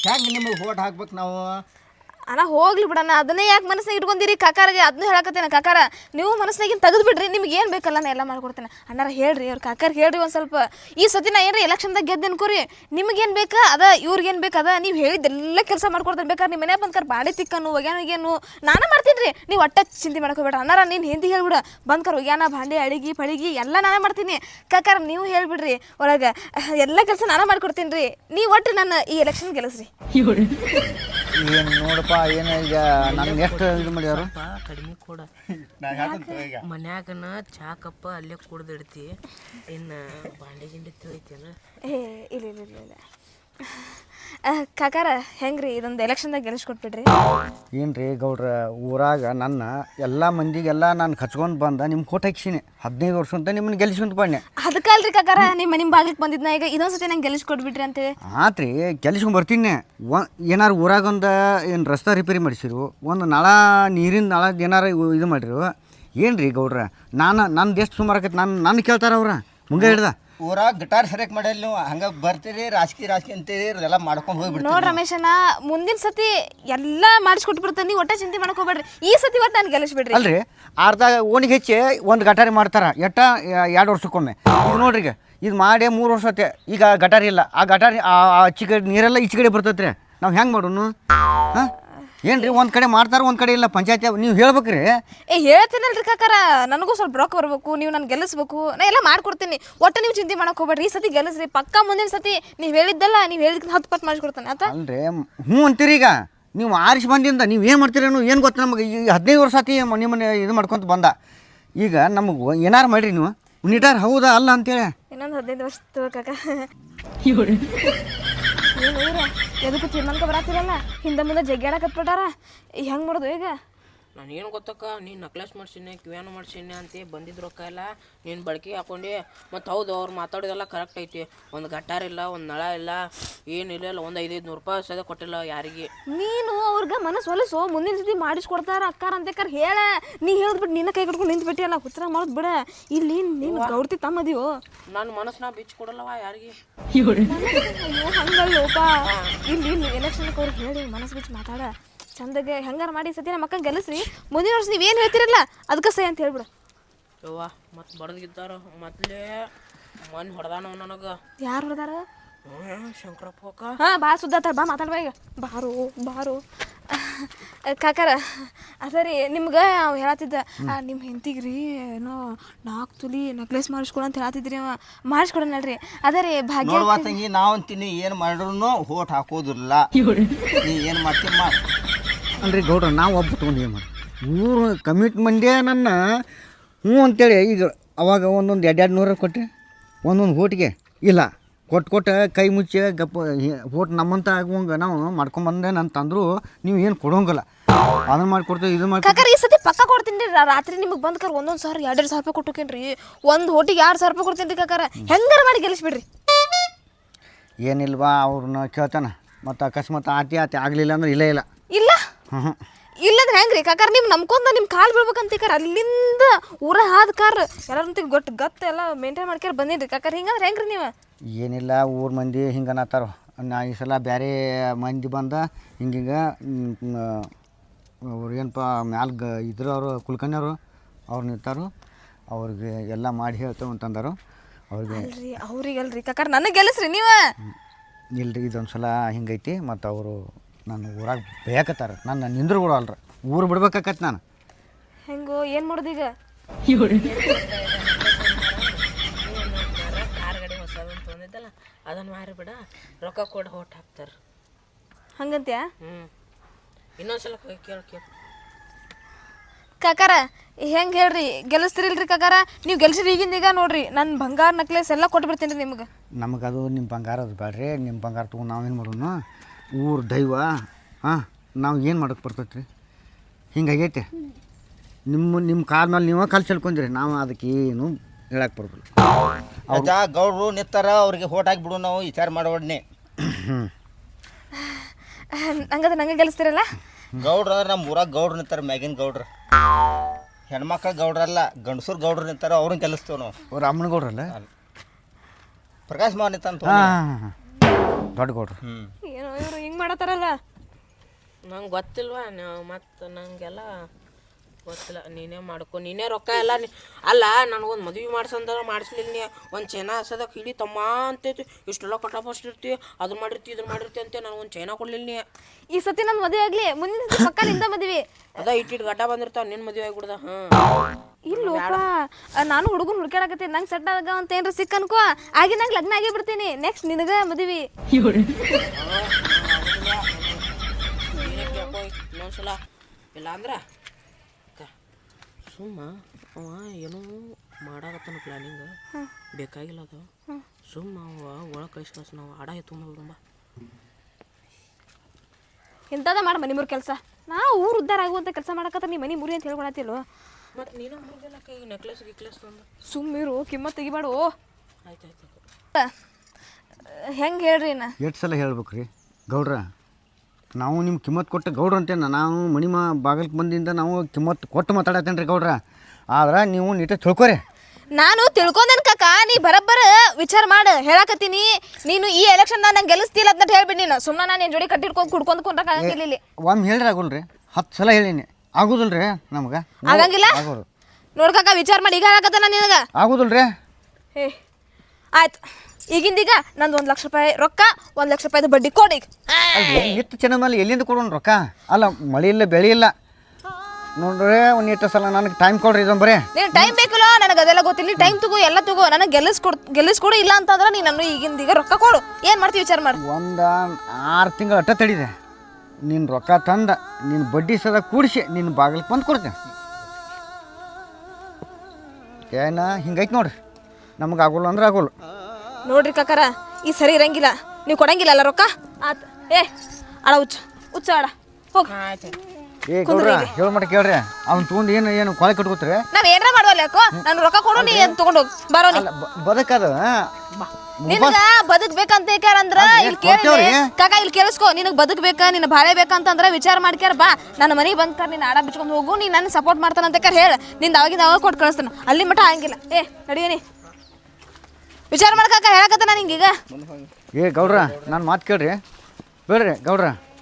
Speaker 5: ಹೆಂಗೆ ನಿಮಗೆ ಓಟ್ ಹಾಕ್ಬೇಕು ನಾವು?
Speaker 2: ಅಣ್ಣ ಹೋಗ್ಲಿ ಬಿಡಣ್ಣ, ಅದನ್ನೇ ಯಾಕೆ ಮನಸ್ಸಿನಾಗ ಇಟ್ಕೊಂಡಿರಿ ಕಾಕಾರಿಗೆ? ಅದನ್ನೂ ಹೇಳಕತ್ತೇನೆ ಕಾಕಾರ, ನೀವು ಮನಸ್ಸಿನಾಗಿನ ತೆಗೆದು ಬಿಡ್ರಿ, ನಿಮ್ಗೆ ಏನು ಬೇಕಲ್ಲ ನಾ ಎಲ್ಲ ಮಾಡ್ಕೊಡ್ತೇನೆ. ಅಣ್ಣಾರ ಹೇಳ್ರಿ, ಅವ್ರ ಕಾಕಾರಿಗೆ ಹೇಳ್ರಿ ಒಂದು ಸ್ವಲ್ಪ. ಈ ಸತಿ ನಾ ಏನ್ರಿ ಎಲೆಕ್ಷನ್ದಾಗ ಗೆದ್ದು ಅನ್ಕೋರಿ, ನಿಮ್ಗೇನು ಬೇಕಾ ಅದ, ಇವ್ರಿಗೇನು ಬೇಕಾ ಅದ, ನೀವು ಹೇಳಿದ್ದೆಲ್ಲ ಕೆಲಸ ಮಾಡ್ಕೊಡ್ತಾರೆ. ಬೇಕಾದ್ರೆ ನಿಮ್ಮ ಮನೆ ಬಂದ್ಕರ್ ಬಾಡಿ ತಿಕ್ಕನು ಒಗ್ಯಾನ ಒಗ್ಯಾನು ನಾನೇ ಮಾಡ್ತೀನಿ ರೀ, ನೀವು ಒಟ್ಟ ಚಿಂತೆ ಮಾಡ್ಕೋಬೇಡ. ಅಣ್ಣಾರ ನೀನು ಹಿಂದಿ ಹೇಳ್ಬಿಡ, ಬಂದ್ಕರ್ ಒಗ್ಯಾನ ಬಾಂಡೆ ಅಡಿಗೆ ಪಡಿಗೆ ಎಲ್ಲ ನಾನೇ ಮಾಡ್ತೀನಿ. ಕಾಕಾರ ನೀವು ಹೇಳ್ಬಿಡ್ರಿ ಒಳಗೆ, ಎಲ್ಲ ಕೆಲಸ ನಾನೇ ಮಾಡ್ಕೊಡ್ತೀನಿ ರೀ. ನೀವು ಒಟ್ಟು ನನ್ನ ಈ ಎಲೆಕ್ಷನ್ ಗೆಲ್ಲಿಸ್ರಿ.
Speaker 5: ಏನು ನೋಡಪ್ಪ, ಏನು ಈಗ ನನ್ಗೆ ಎಷ್ಟು ಇದು ಮಾಡ್ಯಾರು?
Speaker 1: ಕಡಿಮೆ ಕೂಡ ಮನ್ಯಾಗನ ಚಾ ಕಪ್ಪ ಅಲ್ಲೇ ಕುಡ್ದಿಡ್ತಿ, ಇನ್ನು ಬಾಂಡೆ ಗಿಂಡಿ ತಿಳಿತೇನ?
Speaker 2: ಏ ಇಲ್ಲ ಇಲ್ಲ ಇಲ್ಲ ಇಲ್ಲ ಕಾಕಾರ, ಹೆಂಗ್ರಿ ಇದೊಂದು ಎಲೆಕ್ಷನ್ದಾಗ ಗೆಲ್ಲಿಸ್ಕೊಟ್ಬಿಡ್ರಿ.
Speaker 5: ಏನು ರೀ ಗೌಡ್ರ, ಊರಾಗ ನನ್ನ ಎಲ್ಲ ಮಂದಿಗೆಲ್ಲ ನಾನು ಕಚ್ಕೊಂಡು ಬಂದ ನಿಮ್ಮ ಕೋಟ್ ಹಾಕ್ಸೀನಿ. ಹದಿನೈದು ವರ್ಷ ಅಂತ ನಿಮ್ಮನ್ನ ಗೆಲ್ಲಿಸ್ಕೊಂತ ಬನ್ನಿ.
Speaker 2: ಅದಕ್ಕಲ್ರಿ ಕಾಕಾರ ನಿಮ್ಮ ನಿಮ್ಮ ಬಾಗಿಲಿಗೆ ಬಂದಿದ್ನ, ಈಗ ಇದೊಂದು ಸತಿ ನಂಗೆ ಗೆಲ್ಲಿಸ್ಕೊಟ್ಬಿಡ್ರಿ ಅಂತೇಳಿ.
Speaker 5: ಆತು ರೀ, ಗೆಲ್ಲಿಸ್ಕೊಂಡು ಬರ್ತೀನಿ. ಒ ಏನಾರು ಊರಾಗ ಒಂದು ಏನು ರಸ್ತೆ ರಿಪೇರಿ ಮಾಡಿಸಿರು, ಒಂದು ನಳ ನೀರಿನ ನಳ ಏನಾರು ಇದು ಮಾಡಿರು. ಏನು ರೀ ಗೌಡ್ರ, ನಾನು ನಂದು ಎಷ್ಟು ಸುಮಾರು ಆಕೈತೆ, ನಾನು ನನ್ನ ಕೇಳ್ತಾರ ಅವ್ರ ಮುಂಗೆ ಹಿಡ್ದ.
Speaker 6: ಊರಾಗ ಗಿಟಾರ್ ಸರಿಯಾಗಿ ಮಾಡಲ್ಲ ನೀವು, ಹಂಗೆ ಬರ್ತೀರಿ ರಾಜಕೀಯ ರಾಜಕೀಯ ಅಂತೀರಿ, ಎಲ್ಲ ಮಾಡ್ಕೊಂಡು ಹೋಗ್ಬಿಡ್ತೀರಿ.
Speaker 2: ನೋಡ್ ರಮೇಶಣ್ಣ, ಮುಂದಿನ ಸತಿ ಎಲ್ಲ ಮಾಡಿಸ್ಕೊಟ್ಬಿಡ್ತಾನೆ, ನೀವು ಒಟ್ಟ ಚಿಂತೆ ಮಾಡ್ಕೋಬೇಡ್ರಿ. ಈ ಸತಿ ಒಟ್ಟು ನಾನು ಗೆಲ್ಲಿಸ್ಬಿಡ್ರಿ.
Speaker 5: ಅಲ್ರಿ, ಅರ್ಧ ಓಣಿಗೆ ಹೆಚ್ಚಿ ಒಂದು ಗಟಾರಿ ಮಾಡ್ತಾರೆ, ಎಟ್ಟ ಎರಡು ವರ್ಷಕ್ಕೊಮ್ಮೆ. ಈಗ ನೋಡ್ರಿ, ಈಗ ಇದು ಮಾಡಿ ಮೂರು ವರ್ಷ ಆತೆ, ಈಗ ಗಟಾರಿ ಇಲ್ಲ. ಆ ಗಟಾರಿ ಆ ಆಚೆ ಕಡೆ ನೀರೆಲ್ಲ ಈಚೆ ಕಡೆ ಬರ್ತೈತೆ ರೀ, ನಾವು ಹೆಂಗೆ ಮಾಡೋನು? ಹಾಂ ಏನು ರೀ, ಒಂದು ಕಡೆ ಮಾಡ್ತಾರೆ, ಒಂದು ಕಡೆ ಇಲ್ಲ. ಪಂಚಾಯತಿ ನೀವು ಹೇಳ್ಬೇಕ್ರಿ.
Speaker 2: ಏ ಹೇಳ್ತೀನಲ್ರಿ ಕಾಕಾರ, ನನಗೂ ಸ್ವಲ್ಪ ರೊಕ್ಕ ಬರ್ಬೇಕು, ನೀವು ನಾನು ಗೆಲ್ಲಿಸ್ಬೇಕು, ನಾ ಎಲ್ಲ ಮಾಡ್ಕೊಡ್ತೀನಿ. ಒಟ್ಟು ನೀವು ಚಿಂತೆ ಮಾಡಕ್ಕೆ ಹೋಗ್ಬೇಡ್ರಿ, ಈ ಸತಿ ಗೆಲ್ಲಿಸ್ರಿ ಪಕ್ಕ. ಮುಂದಿನ ಸತಿ ನೀವು ಹೇಳಿದ್ದಲ್ಲ, ನೀವು ಹೇಳಿದ ಹತ್ತು ಪಟ್ಟು ಮಾಡಿಸ್ಕೊಡ್ತಾನೆ ಆತ.
Speaker 5: ಅಲ್ರಿ, ಹ್ಞೂ ಅಂತೀರಿ. ಈಗ ನೀವು ಆರಿಸಿ ಬಂದಿಂದ ನೀವು ಏನು ಮಾಡ್ತೀರೇನು ಏನು ಗೊತ್ತ ನಮಗೆ. ಈಗ ಹದಿನೈದು ವರ್ಷ ಆತಿ ನಿಮ್ಮನ್ನ ಇದು ಮಾಡ್ಕೊತ ಬಂದ. ಈಗ ನಮಗೆ ಏನಾರು ಮಾಡಿರಿ ನೀವು ನೀಟಾರು ಹೌದಾ ಅಲ್ಲ ಅಂತೇಳಿ.
Speaker 2: ಇನ್ನೊಂದು ಹದಿನೈದು ವರ್ಷ ಕಾಕ. ಏನು ಇವ್ರ ಎದಕ್ಕೂ ತೀರ್ಮಾನಕ್ಕೆ ಬರತ್ತಿರಲ್ಲ, ಹಿಂದೆ ಮುಂದೆ ಜಗ್ಗಾಡಕತ್ಬಿಟ್ಟಾರ. ಹೆಂಗೆ ಮಾಡೋದು ಈಗ?
Speaker 1: ನಾನು ಏನು ಗೊತ್ತಕ್ಕ, ನೀನು ನಕ್ಲೆಸ್ ಮಾಡ್ಸೀನಿ, ಕಿವ್ಯಾನು ಮಾಡ್ಸೀನಿ ಅಂತ ಬಂದಿದ್ದು ರೊಕ್ಕ ಎಲ್ಲ ನೀನು ಬಳಕೆ ಹಾಕೊಂಡು. ಮತ್ತು ಹೌದು, ಅವ್ರು ಮಾತಾಡೋದೆಲ್ಲ ಕರೆಕ್ಟ್ ಐತಿ. ಒಂದು ಗಟ್ಟಾರಿಲ್ಲ, ಒಂದು ನಳ ಇಲ್ಲ, ಏನಿಲ್ಲ ಇಲ್ಲ, ಒಂದು ಐದೈದು ನೂರು ರೂಪಾಯಿ ಸದ ಕೊಟ್ಟಿಲ್ಲ ಯಾರಿಗೆ.
Speaker 2: ನೀನು ಅವ್ರಿಗೆ ಮನಸ್ಸು ಹೊಲಸು, ಮುಂದಿನ ಸತಿ ಮಾಡಿಸ್ಕೊಡ್ತಾರ ಅಕ್ಕಾರ ಅಂತೇಕಾರ ಹೇಳ. ನೀ ಹೇಳಿದ್ಬಿಟ್ಟು ನಿನ್ನ ಕೈ ಕಟ್ಕೊಂಡು ನಿಂತು ಬಿಟ್ಟಿಯಲ್ಲ, ಹುಚ್ಚರ ಮಾಡೋದು ಬಿಡ. ಇಲ್ಲಿ ನೀನು ಗೌಡ್ತಿ ತಮ್ಮದಿವು,
Speaker 1: ನನ್ನ ಮನಸ್ಸನ್ನ ಬಿಚ್ಚಿ ಕೊಡಲ್ಲವ ಯಾರಿಗೆ.
Speaker 2: ಅಯ್ಯೋ ಹಂಗಲ್ಲೋಪ. ಇಲ್ಲಿ ನೀವು ಎಲೆಕ್ಷನ್ಗೆ ಅವ್ರಿಗೆ ಹೇಳಿ ಮನಸ್ಸು ಬಿಚ್ಚಿ ಮಾತಾಡ ಚಂದಗೆ ಹೆಂಗಾರ ಮಾಡಿ ಸತಿ ನಮ್ಮ ಅಕ್ಕ ಗೆಲ್ಲಿಸ್ರಿ. ಮುಂದಿನ ವರ್ಷ ನೀವು ಏನು ಹೇಳ್ತಿರಲ್ಲ ಅದಕ್ಕೆ ಸೈ ಅಂತ ಹೇಳ್ಬಿಡು.
Speaker 1: ಯವ್ವ ಮತ್ತು ಬಡದಿದ್ದಾರ ಮೊದಲೇ ಮನೆ ಹೊಡೆದಾನ ನನಗೆ.
Speaker 2: ಯಾರು ಹೊಡೆದಾರ?
Speaker 1: ಶಂಕರಪ್ಪ ಅಕ್ಕ.
Speaker 2: ಹಾಂ, ಭಾಳ ಸುದ್ದಾತಾರ, ಬಾ ಮಾತಾಡ್ಬಾ ಈಗ. ಬಾರು ಬಾರು ಕಾಕಾರ. ಅದ ರೀ, ನಿಮ್ಗೆ ಅವ್ ಹೇಳತ್ತಿದ್ದ, ನಿಮ್ಮ ಹೆಂಡತಿಗೆ ರೀ ಏನೋ ನಾಲ್ಕು ತುಲಿ ನೆಕ್ಲೆಸ್ ಮಾಡಿಸ್ಕೊಡು ಅಂತ ಹೇಳತ್ತಿದ್ರಿ. ಅವ ಮಾಡಿಸ್ಕೊಡೋಣಲ್ರಿ. ಅದೇ ರೀ ಭಾಗ್ಯ
Speaker 6: ನೋಡುವ ತಂಗಿ, ನಾವು ಅಂತೀನಿ ಏನು ಮಾಡಿದ್ರು ಓಟ್ ಹಾಕೋದಿಲ್ಲ. ನೀ ಏನು ಮಾಡ್ತೀನಿ ಮಾಡಿ.
Speaker 5: ಅಲ್ರಿ ಗೌಡ್ರ, ನಾವು ಒಬ್ಬ ತೊಗೊಂಡು ಏನು ಮಾಡಿ ಊರು ಕಮಿಟ್ ಮಂಡ್ಯ ನನ್ನ ಹ್ಞೂ ಅಂತೇಳಿ. ಈಗ ಅವಾಗ ಒಂದೊಂದು ಎರಡು ಎರಡು ನೂರ ಕೊಟ್ಟೆ, ಒಂದೊಂದು ಓಟಿಗೆ ಇಲ್ಲ ಕೊಟ್ಟು ಕೊಟ್ಟು ಕೈ ಮುಚ್ಚಿ ಗಪ್ಪ ಓಟ್ ನಮ್ಮಂತ ಆಗುವಂಗೆ ನಾವು ಮಾಡ್ಕೊಂಬಂದೆ ಅಂತಂದ್ರು ನೀವು ಏನು ಕೊಡೋಂಗಿಲ್ಲ. ಅದನ್ನು ಮಾಡಿಕೊಡ್ತೇವೆ, ಇದು ಮಾಡಿ.
Speaker 2: ಕಾಕಾರ ಈ ಸತಿ ಪಕ್ಕ ಕೊಡ್ತೀನಿ ರೀ. ರಾತ್ರಿ ನಿಮಗೆ ಬಂದು ಕರ್ ಒಂದೊಂದು ಸಾವಿರ ಎರಡು ಎರಡು ಸಾವಿರ ರೂಪಾಯಿ ಕೊಟ್ಟೋಕೇನು ರೀ. ಒಂದು ಓಟಿಗೆ ಎರಡು ಸಾವಿರ ರೂಪಾಯಿ ಕೊಡ್ತೀನಿ ರೀ ಕಾಕಾರ. ಹೆಂಗಾರ ಮಾಡಿ ಗೆಲ್ಲಿಸ್ಬಿಡ್ರಿ.
Speaker 5: ಏನಿಲ್ವಾ, ಅವ್ರನ್ನ ಕೇಳ್ತಾನೆ. ಮತ್ತು ಅಕಸ್ಮಾತ್ ಆತಿ ಆತಿ ಆಗಲಿಲ್ಲ ಅಂದ್ರೆ ಇಲ್ಲೇ ಇಲ್ಲ.
Speaker 2: ಇಲ್ಲ
Speaker 5: ಹ್ಞೂ
Speaker 2: ಇಲ್ಲಂದ್ರೆ ಹೆಂಗ್ರಿ ಕಾಕಾರ? ನೀವು ನಂಬ್ಕೊಂಡ ನಿಮ್ಮ ಕಾಲು ಬೀಳ್ಬೇಕಂತ ಕಾರ್ ಅಲ್ಲಿಂದ ಊರ ಹಾದ ಕಾರ್ ಎಲ್ಲರಂತ ಗೊತ್ತು ಗತ್ತು ಎಲ್ಲ ಮೇಂಟೈನ್ ಮಾಡ್ಕ್ಯಾರ ಬಂದಿರಿ ಕಾಕಾರ. ಹಿಂಗಂದ್ರೆ ಹೆಂಗ್ರಿ ನೀವು?
Speaker 5: ಏನಿಲ್ಲ, ಊರು ಮಂದಿ ಹಿಂಗೆ ಅನ್ನತ್ತಾರ. ನಾ ಈ ಸಲ ಬೇರೆ ಮಂದಿ ಬಂದ ಹಿಂಗಿಂಗೆ ಅವ್ರು ಏನಪ್ಪ ಮ್ಯಾಲ ಗ ಇದ್ರವರು ಕುಲ್ಕನ್ಯವರು ಅವ್ರು ನಿಂತಾರು, ಅವ್ರಿಗೆ ಎಲ್ಲ ಮಾಡಿ ಹೇಳ್ತೇವೆ ಅಂತಂದರು. ಅವ್ರಿಗೆ
Speaker 2: ಅಲ್ರಿ ಅವ್ರಿಗಲ್ರಿ ಕಾಕಾರ, ನನಗೆ ಗೆಲ್ಲಿಸ್ರಿ ನೀವು.
Speaker 5: ಇಲ್ರಿ, ಇದೊಂದು ಸಲ ಹಿಂಗೈತಿ. ಮತ್ತು ಅವರು ನನ್ನ ಊರಾಗ ಬೇಕತ್ತಾರ, ನನ್ನ ನಿಂದ್ರು ಕೂಡ ಅಲ್ರಿ, ಊರು ಬಿಡ್ಬೇಕಾಕತ್ ನಾನು.
Speaker 2: ಹೆಂಗೋ ಏನು ಮಾಡೋದು ಈಗ?
Speaker 1: ಕಾರ್ ಗಾಡಿ ಹೊಸದಂತ ತೊಗೊಂಡಿದ್ದಲ್ಲ, ಅದನ್ನು ಮಾರಿಬಿಡ, ರೊಕ್ಕ ಕೊಟ್ಟು ಹೊಟ್ಟು ಹಾಕ್ತಾರೆ.
Speaker 2: ಹಂಗಂತ್ಯಾ?
Speaker 1: ಹ್ಞೂ, ಇನ್ನೊಂದ್ಸಲ ಹೋಗಿ ಕೇಳಿ ಕೇಳಿ
Speaker 2: ಕಾಕಾರ. ಹೆಂಗೆ ಹೇಳ್ರಿ, ಗೆಲ್ಲಿಸ್ತಿರಿಲ್ರಿ ಕಾಕಾರ? ನೀವು ಗೆಲ್ಸಿರಿ ಈಗಿಂದ ಈಗ ನೋಡ್ರಿ, ನನ್ನ ಬಂಗಾರ ನೆಕ್ಲೆಸ್ ಎಲ್ಲ ಕೊಟ್ಟು ಬಿಡ್ತೀನಿ ರೀ ನಿಮ್ಗೆ.
Speaker 5: ನಮಗದು ನಿಮ್ಮ ಬಂಗಾರ ಅದು ಬೇಡ್ರಿ. ನಿಮ್ಮ ಬಂಗಾರ ತೊಗೊಂಡು ನಾವೇನು ಮಾಡೋನು? ಊರು ದೈವ. ಹಾಂ, ನಾವು ಏನು ಮಾಡೋಕ್ಕೆ ಬರ್ತೈತೆ ರೀ? ಹಿಂಗಾಗೈತೆ. ನಿಮ್ಮ ನಿಮ್ಮ ಕಾಲ ಮೇಲೆ ನೀವು ಕಾಲು ಚಲ್ಕೊಂಡ್ರಿ, ನಾವು ಅದಕ್ಕೆ ಏನು ಹೇಳಕ್ಕೆ ಬರೋದಿಲ್ಲ.
Speaker 6: ಹೌದಾ, ಗೌಡ್ರು ನಿತ್ತಾರ, ಅವ್ರಿಗೆ ಓಟ್ ಹಾಕಿಬಿಡು, ನಾವು ವಿಚಾರ ಮಾಡೋಡ್ನೆ.
Speaker 2: ಹಂಗದ ನಂಗೆ ಗೆಲ್ಲಿಸ್ತಿರಲ್ಲ?
Speaker 6: ಗೌಡ್ರ ಅಂದ್ರೆ ನಮ್ಮ ಊರಾಗ ಗೌಡ್ರು ನಿಂತಾರ, ಮ್ಯಾಗಿನ ಗೌಡ್ರು. ಹೆಣ್ಮಕ್ಳ ಗೌಡ್ರಲ್ಲ, ಗಂಡಸೂರು ಗೌಡ್ರು ನಿಂತಾರ, ಅವ್ರನ್ನ ಗೆಲ್ಲಿಸ್ತೇವೆ ನಾವು.
Speaker 5: ಅವ್ರು ಅಮ್ಮನ ಗೌಡ್ರಲ್ಲ?
Speaker 6: ಪ್ರಕಾಶ್ ಮಾವ ನಿಂತಂತ.
Speaker 5: ಹಾಂ ಹಾಂ ಹಾಂ, ದೊಡ್ಡ ಗೌಡ್ರು.
Speaker 6: ಹ್ಞೂ,
Speaker 2: ಏನೋ ಇವರು ಹಿಂಗೆ ಮಾಡತ್ತಾರಲ್ಲ.
Speaker 1: ನಂಗೆ ಗೊತ್ತಿಲ್ವಾ ಮತ್ತು ನಂಗೆಲ್ಲ ಗೊತ್ತಿಲ್ಲ. ನೀನೇ ಮಾಡ್ಕೊ, ನೀನೇ ರೊಕ್ಕ ಎಲ್ಲ ನೀ ಅಲ್ಲ. ನನಗೊಂದು ಮದುವೆ ಮಾಡ್ಸಂದ್ರೆ ಮಾಡಿಸ್ಲಿಲ್ಲ ನೀ. ಒಂದು ಚೈನ ಹಸದಕ್ಕೆ ಹಿಡಿ ತಮ್ಮ ಅಂತೈತಿ, ಇಷ್ಟೆಲ್ಲ ಕಟಾಪಸ್ಟ್ ಇರ್ತಿ, ಅದನ್ನ ಮಾಡಿರ್ತಿ ಇದನ್ನ ಮಾಡಿರ್ತಿ ಅಂತ ನನಗೊಂದು ಚೈನ ಕೊಡ್ಲಿಲ್ಲ ನೀ.
Speaker 2: ಈ ಸತಿ ನನ್ನ ಮದುವೆ ಆಗಲಿ, ಮುಂದಿನ ಸತಿ ಪಕ್ಕ ನಿಂದ ಮದುವೆ.
Speaker 1: ಅದ ಇಟ್ಟಿಟ್ಟು ಗಡ್ಡ ಬಂದಿರ್ತಾವ, ನಿನ್ನ ಮದುವೆ ಆಗಿಬಿಡ್ದ. ಹಾಂ
Speaker 2: ಇಲ್ಲೋಪ, ನಾನು ಹುಡುಗನ ಹುಡ್ಕ್ಯಾಡಕತ್ತೀನಿ. ನಂಗೆ ಸೆಟ್ ಆಗ ಅಂತ ಏನ್ರ ಸಿಕ್ಕ ಅನ್ಕೋ, ಆಗಿ ನಂಗೆ ಲಗ್ನ ಆಗೇ ಬಿಡ್ತೀನಿ. ನೆಕ್ಸ್ಟ್ ನಿನಗೆ ಮದುವೆ.
Speaker 1: ಇನ್ನೊಂದ್ಸಲ ಇಲ್ಲ ಅಂದ್ರೆ ಸುಮ್ಮ ಅವ ಏನೋ ಮಾಡಾಕತ್ತಾನ ಪ್ಲಾನಿಂಗ್, ಬೇಕಾಗಿಲ್ಲ ಅದು. ಸುಮ್ಮ ಅವ ಒಳಗೆ ಕಳಿಸಿ ಕಳ್ಸಿ ನಾವು ಆಡ ಎತ್ಕೊಂಡ್ಬಿಡಂಬ.
Speaker 2: ಎಂಥದ ಮಾಡಿ ಮನೆ ಮುರಿ ಕೆಲಸ. ನಾವು ಊರು ಉದ್ದಾರ ಆಗುವಂಥ ಕೆಲಸ ಮಾಡಕತ್ತ ನೀ ಮನೆ ಮುರಿ ಅಂತ ಹೇಳ್ಕೊಳತಿಲ್ವ?
Speaker 1: ಮತ್ತು ನೀನು ಮುರಿದಿಲ್ಲ ಕೈ ನೆಕ್ಲೆಸ್ ಗಿಕ್ಲೆಸ್ ತಂದು.
Speaker 2: ಸುಮ್ಮಿರು, ಕಿಮ್ಮತ್ ತೆಗಿಬೇಡು.
Speaker 1: ಆಯ್ತು ಆಯ್ತು
Speaker 2: ಹೆಂಗೆ ಹೇಳ್ರಿ ನಾ
Speaker 5: ಎಷ್ಟು ಸಲ ಹೇಳ್ಬೇಕು ರೀ ಗೌಡ್ರ? ನಾವು ನಿಮ್ಮ ಕಿಮ್ಮತ್ತು ಕೊಟ್ಟು ಗೌಡ್ರ ಅಂತೇನ, ನಾವು ಮನಿ ಮಾ ಬಾಗಿಲ್ಗೆ ಬಂದಿಂದ ನಾವು ಕಿಮ್ಮತ್ತು ಕೊಟ್ಟು ಮಾತಾಡತ್ತೇನೆ ರೀ ಗೌಡ್ರ. ಆದ್ರೆ ನೀವು ನೀಟಾಗಿ ತಿಳ್ಕೊರಿ.
Speaker 2: ನಾನು ತಿಳ್ಕೊಂಡೇನ್ ಕಾಕ, ನೀ ಬರಬ್ಬರ ವಿಚಾರ ಮಾಡು. ಹೇಳಕತ್ತೀನಿ, ನೀನು ಈ ಎಲೆಕ್ಷನ್ ನಂಗೆ ಗೆಲ್ಲಿಸ್ತಿಲ್ಲ ಅಂತ ಹೇಳ್ಬಿಡಿ. ನೀನು ಸುಮ್ಮನೆ ನಾನು ನಿನ್ನ ಜೋಡಿ ಕಟ್ಟಿಡ್ಕೊಂಡು ಕುಡ್ಕೊಂಡು ಕುಂದ್ರಕ್ಕಾಗಂಗಿಲ್ಲ ಇಲ್ಲಿ.
Speaker 5: ಒಮ್ಮೆ ಹೇಳ್ರಿ ಆಗೋಲ್ರಿ, ಹತ್ತು ಸಲ ಹೇಳೀನಿ, ಆಗೋದಿಲ್ಲ ರೀ ನಮ್ಗೆ.
Speaker 2: ಆಗಂಗಿಲ್ಲ
Speaker 5: ಆಗೋದು
Speaker 2: ನೋಡ್ಕಾಕ, ವಿಚಾರ ಮಾಡಿ. ಈಗ ಹೇಳಕತ್ತ ನಿನಗೆ
Speaker 5: ಆಗೋದಿಲ್ಲ ರೀ.
Speaker 2: ಏ ಆಯ್ತು, ಈಗಿಂದೀಗ ನಂದು ಒಂದು ಲಕ್ಷ ರೂಪಾಯಿ ರೊಕ್ಕ, ಒಂದು ಲಕ್ಷ ರೂಪಾಯಿದು ಬಡ್ಡಿ ಕೊಡಿ.
Speaker 5: ಅಲ್ರಿ ಇತ್ತು ಚೆನ್ನ ಮೇಲೆ ಎಲ್ಲಿಂದ ಕೊಡೋಣ ರೊಕ್ಕ? ಅಲ್ಲ ಮಳೆ ಇಲ್ಲ ಬೆಳೆ ಇಲ್ಲ ನೋಡ್ರಿ. ಒಂದು ಇಟ್ಟು ಸಲ ನನಗೆ ಟೈಮ್ ಕೊಡ್ರಿ ಇದೊಂದು ಬರೀ.
Speaker 2: ನೀನು ಟೈಮ್ ಬೇಕಲ್ಲ, ನನಗೆ ಅದೆಲ್ಲ ಗೊತ್ತಿಲ್ಲ. ಟೈಮ್ ತಗೋ, ಎಲ್ಲ ತಗೋ, ನನಗೆ ಗೆಲ್ಲಿಸ್ಕೊಡ್ ಗೆಲ್ಲಿಸ್ಕೊಡು. ಇಲ್ಲ ಅಂತಂದ್ರೆ ನೀನು ನನ್ನ ಈಗಿಂದೀಗ ರೊಕ್ಕ ಕೊಡು. ಏನು ಮಾಡ್ತೀವಿ ವಿಚಾರ ಮಾಡಿ.
Speaker 5: ಒಂದು ಆರು ತಿಂಗಳು ಅಟ್ಟ ತಡಿದೆ, ನಿನ್ನ ರೊಕ್ಕ ತಂದ ನಿನ್ನ ಬಡ್ಡಿ ಸದ ಕೂಡಿಸಿ ನಿನ್ನ ಬಾಗಿಲಿಗೆ ಬಂದು ಕೊಡ್ತೇನೆ. ಏನ ಹಿಂಗೈತೆ ನೋಡ್ರಿ, ನಮಗೆ ಆಗೋಲ್ಲ ಅಂದ್ರೆ ಆಗೋಲ್ಲ.
Speaker 2: ನೋಡ್ರಿ ಕಾಕಾರ, ಈ ಸರಿ ಇರಂಗಿಲ್ಲ. ನೀವು ಕೊಡಂಗಿಲ್ಲ ಅಲ್ಲ ರೊಕ್ಕ? ಆತು. ಏ ಅಡ ಹುಚ್ಚ ಹುಚ್ಚ ಅಡ ಹೋಗಿ.
Speaker 1: ಆಯ್ತು
Speaker 5: ಏ ಗೌಡ್ರ ಹೇಳ ಮಟ್ಟ ಕೇಳ್ರಿ, ಅವ್ನು ತೊಗೊಂಡು ಏನು ಏನು ಕೊಳೆ ಕಟ್ಕೋತಾರೆ.
Speaker 2: ನಾವ್ ಏನ್ರ ಮಾಡುವಲ್ಲ ಯಾಕೋ, ನಾನು ರೊಕ್ಕ ಕೊಡು, ನೀ ತಗೊಂಡು ಹೋಗಿ ಬರೋ. ನೀ
Speaker 5: ಬದಕದ
Speaker 2: ನಿನಗ ಬದುಕ್ಬೇಕಂತ ಅಂದ್ರ ಇಲ್ಲಿ ಕೇಳಿ ಕಾಕ, ಇಲ್ಲಿ ಕೇಳಿಸ್ಕೊ. ನಿನಗ್ ಬದುಕ್ಬೇಕಾ, ನಿನ್ನ ಬಾಳೆ ಬೇಕಂತಂದ್ರ ವಿಚಾರ ಮಾಡ್ಕ್ಯಾರ ಬಾ. ನನ್ನ ಮನೆಗೆ ಬಂದ್ಕರ್, ನೀನು ಆಡ ಬಿಚ್ಕೊಂಡು ಹೋಗು. ನೀ ನನ್ನ ಸಪೋರ್ಟ್ ಮಾಡ್ತಾನಂತ ಹೇಳ, ನಿಂದ ಅವಾಗಿಂದ ಅವಾಗ ಕೊಟ್ಟು ಕಳಿಸ್ತಾನ. ಅಲ್ಲಿ ಮಟ್ಟ ಹಂಗಿಲ್ಲ. ಏ ನಡಿಯೇನಿ, ವಿಚಾರ ಮಾಡ್ಕಾಕ ಹೇಳಕತ್ತ ನಾನು ಹಿಂಗೀಗ.
Speaker 5: ಏ ಗೌಡ್ರ ನಾನು ಮಾತು ಕೇಳ್ರಿ ಬೇಡ್ರಿ ಗೌಡ್ರ.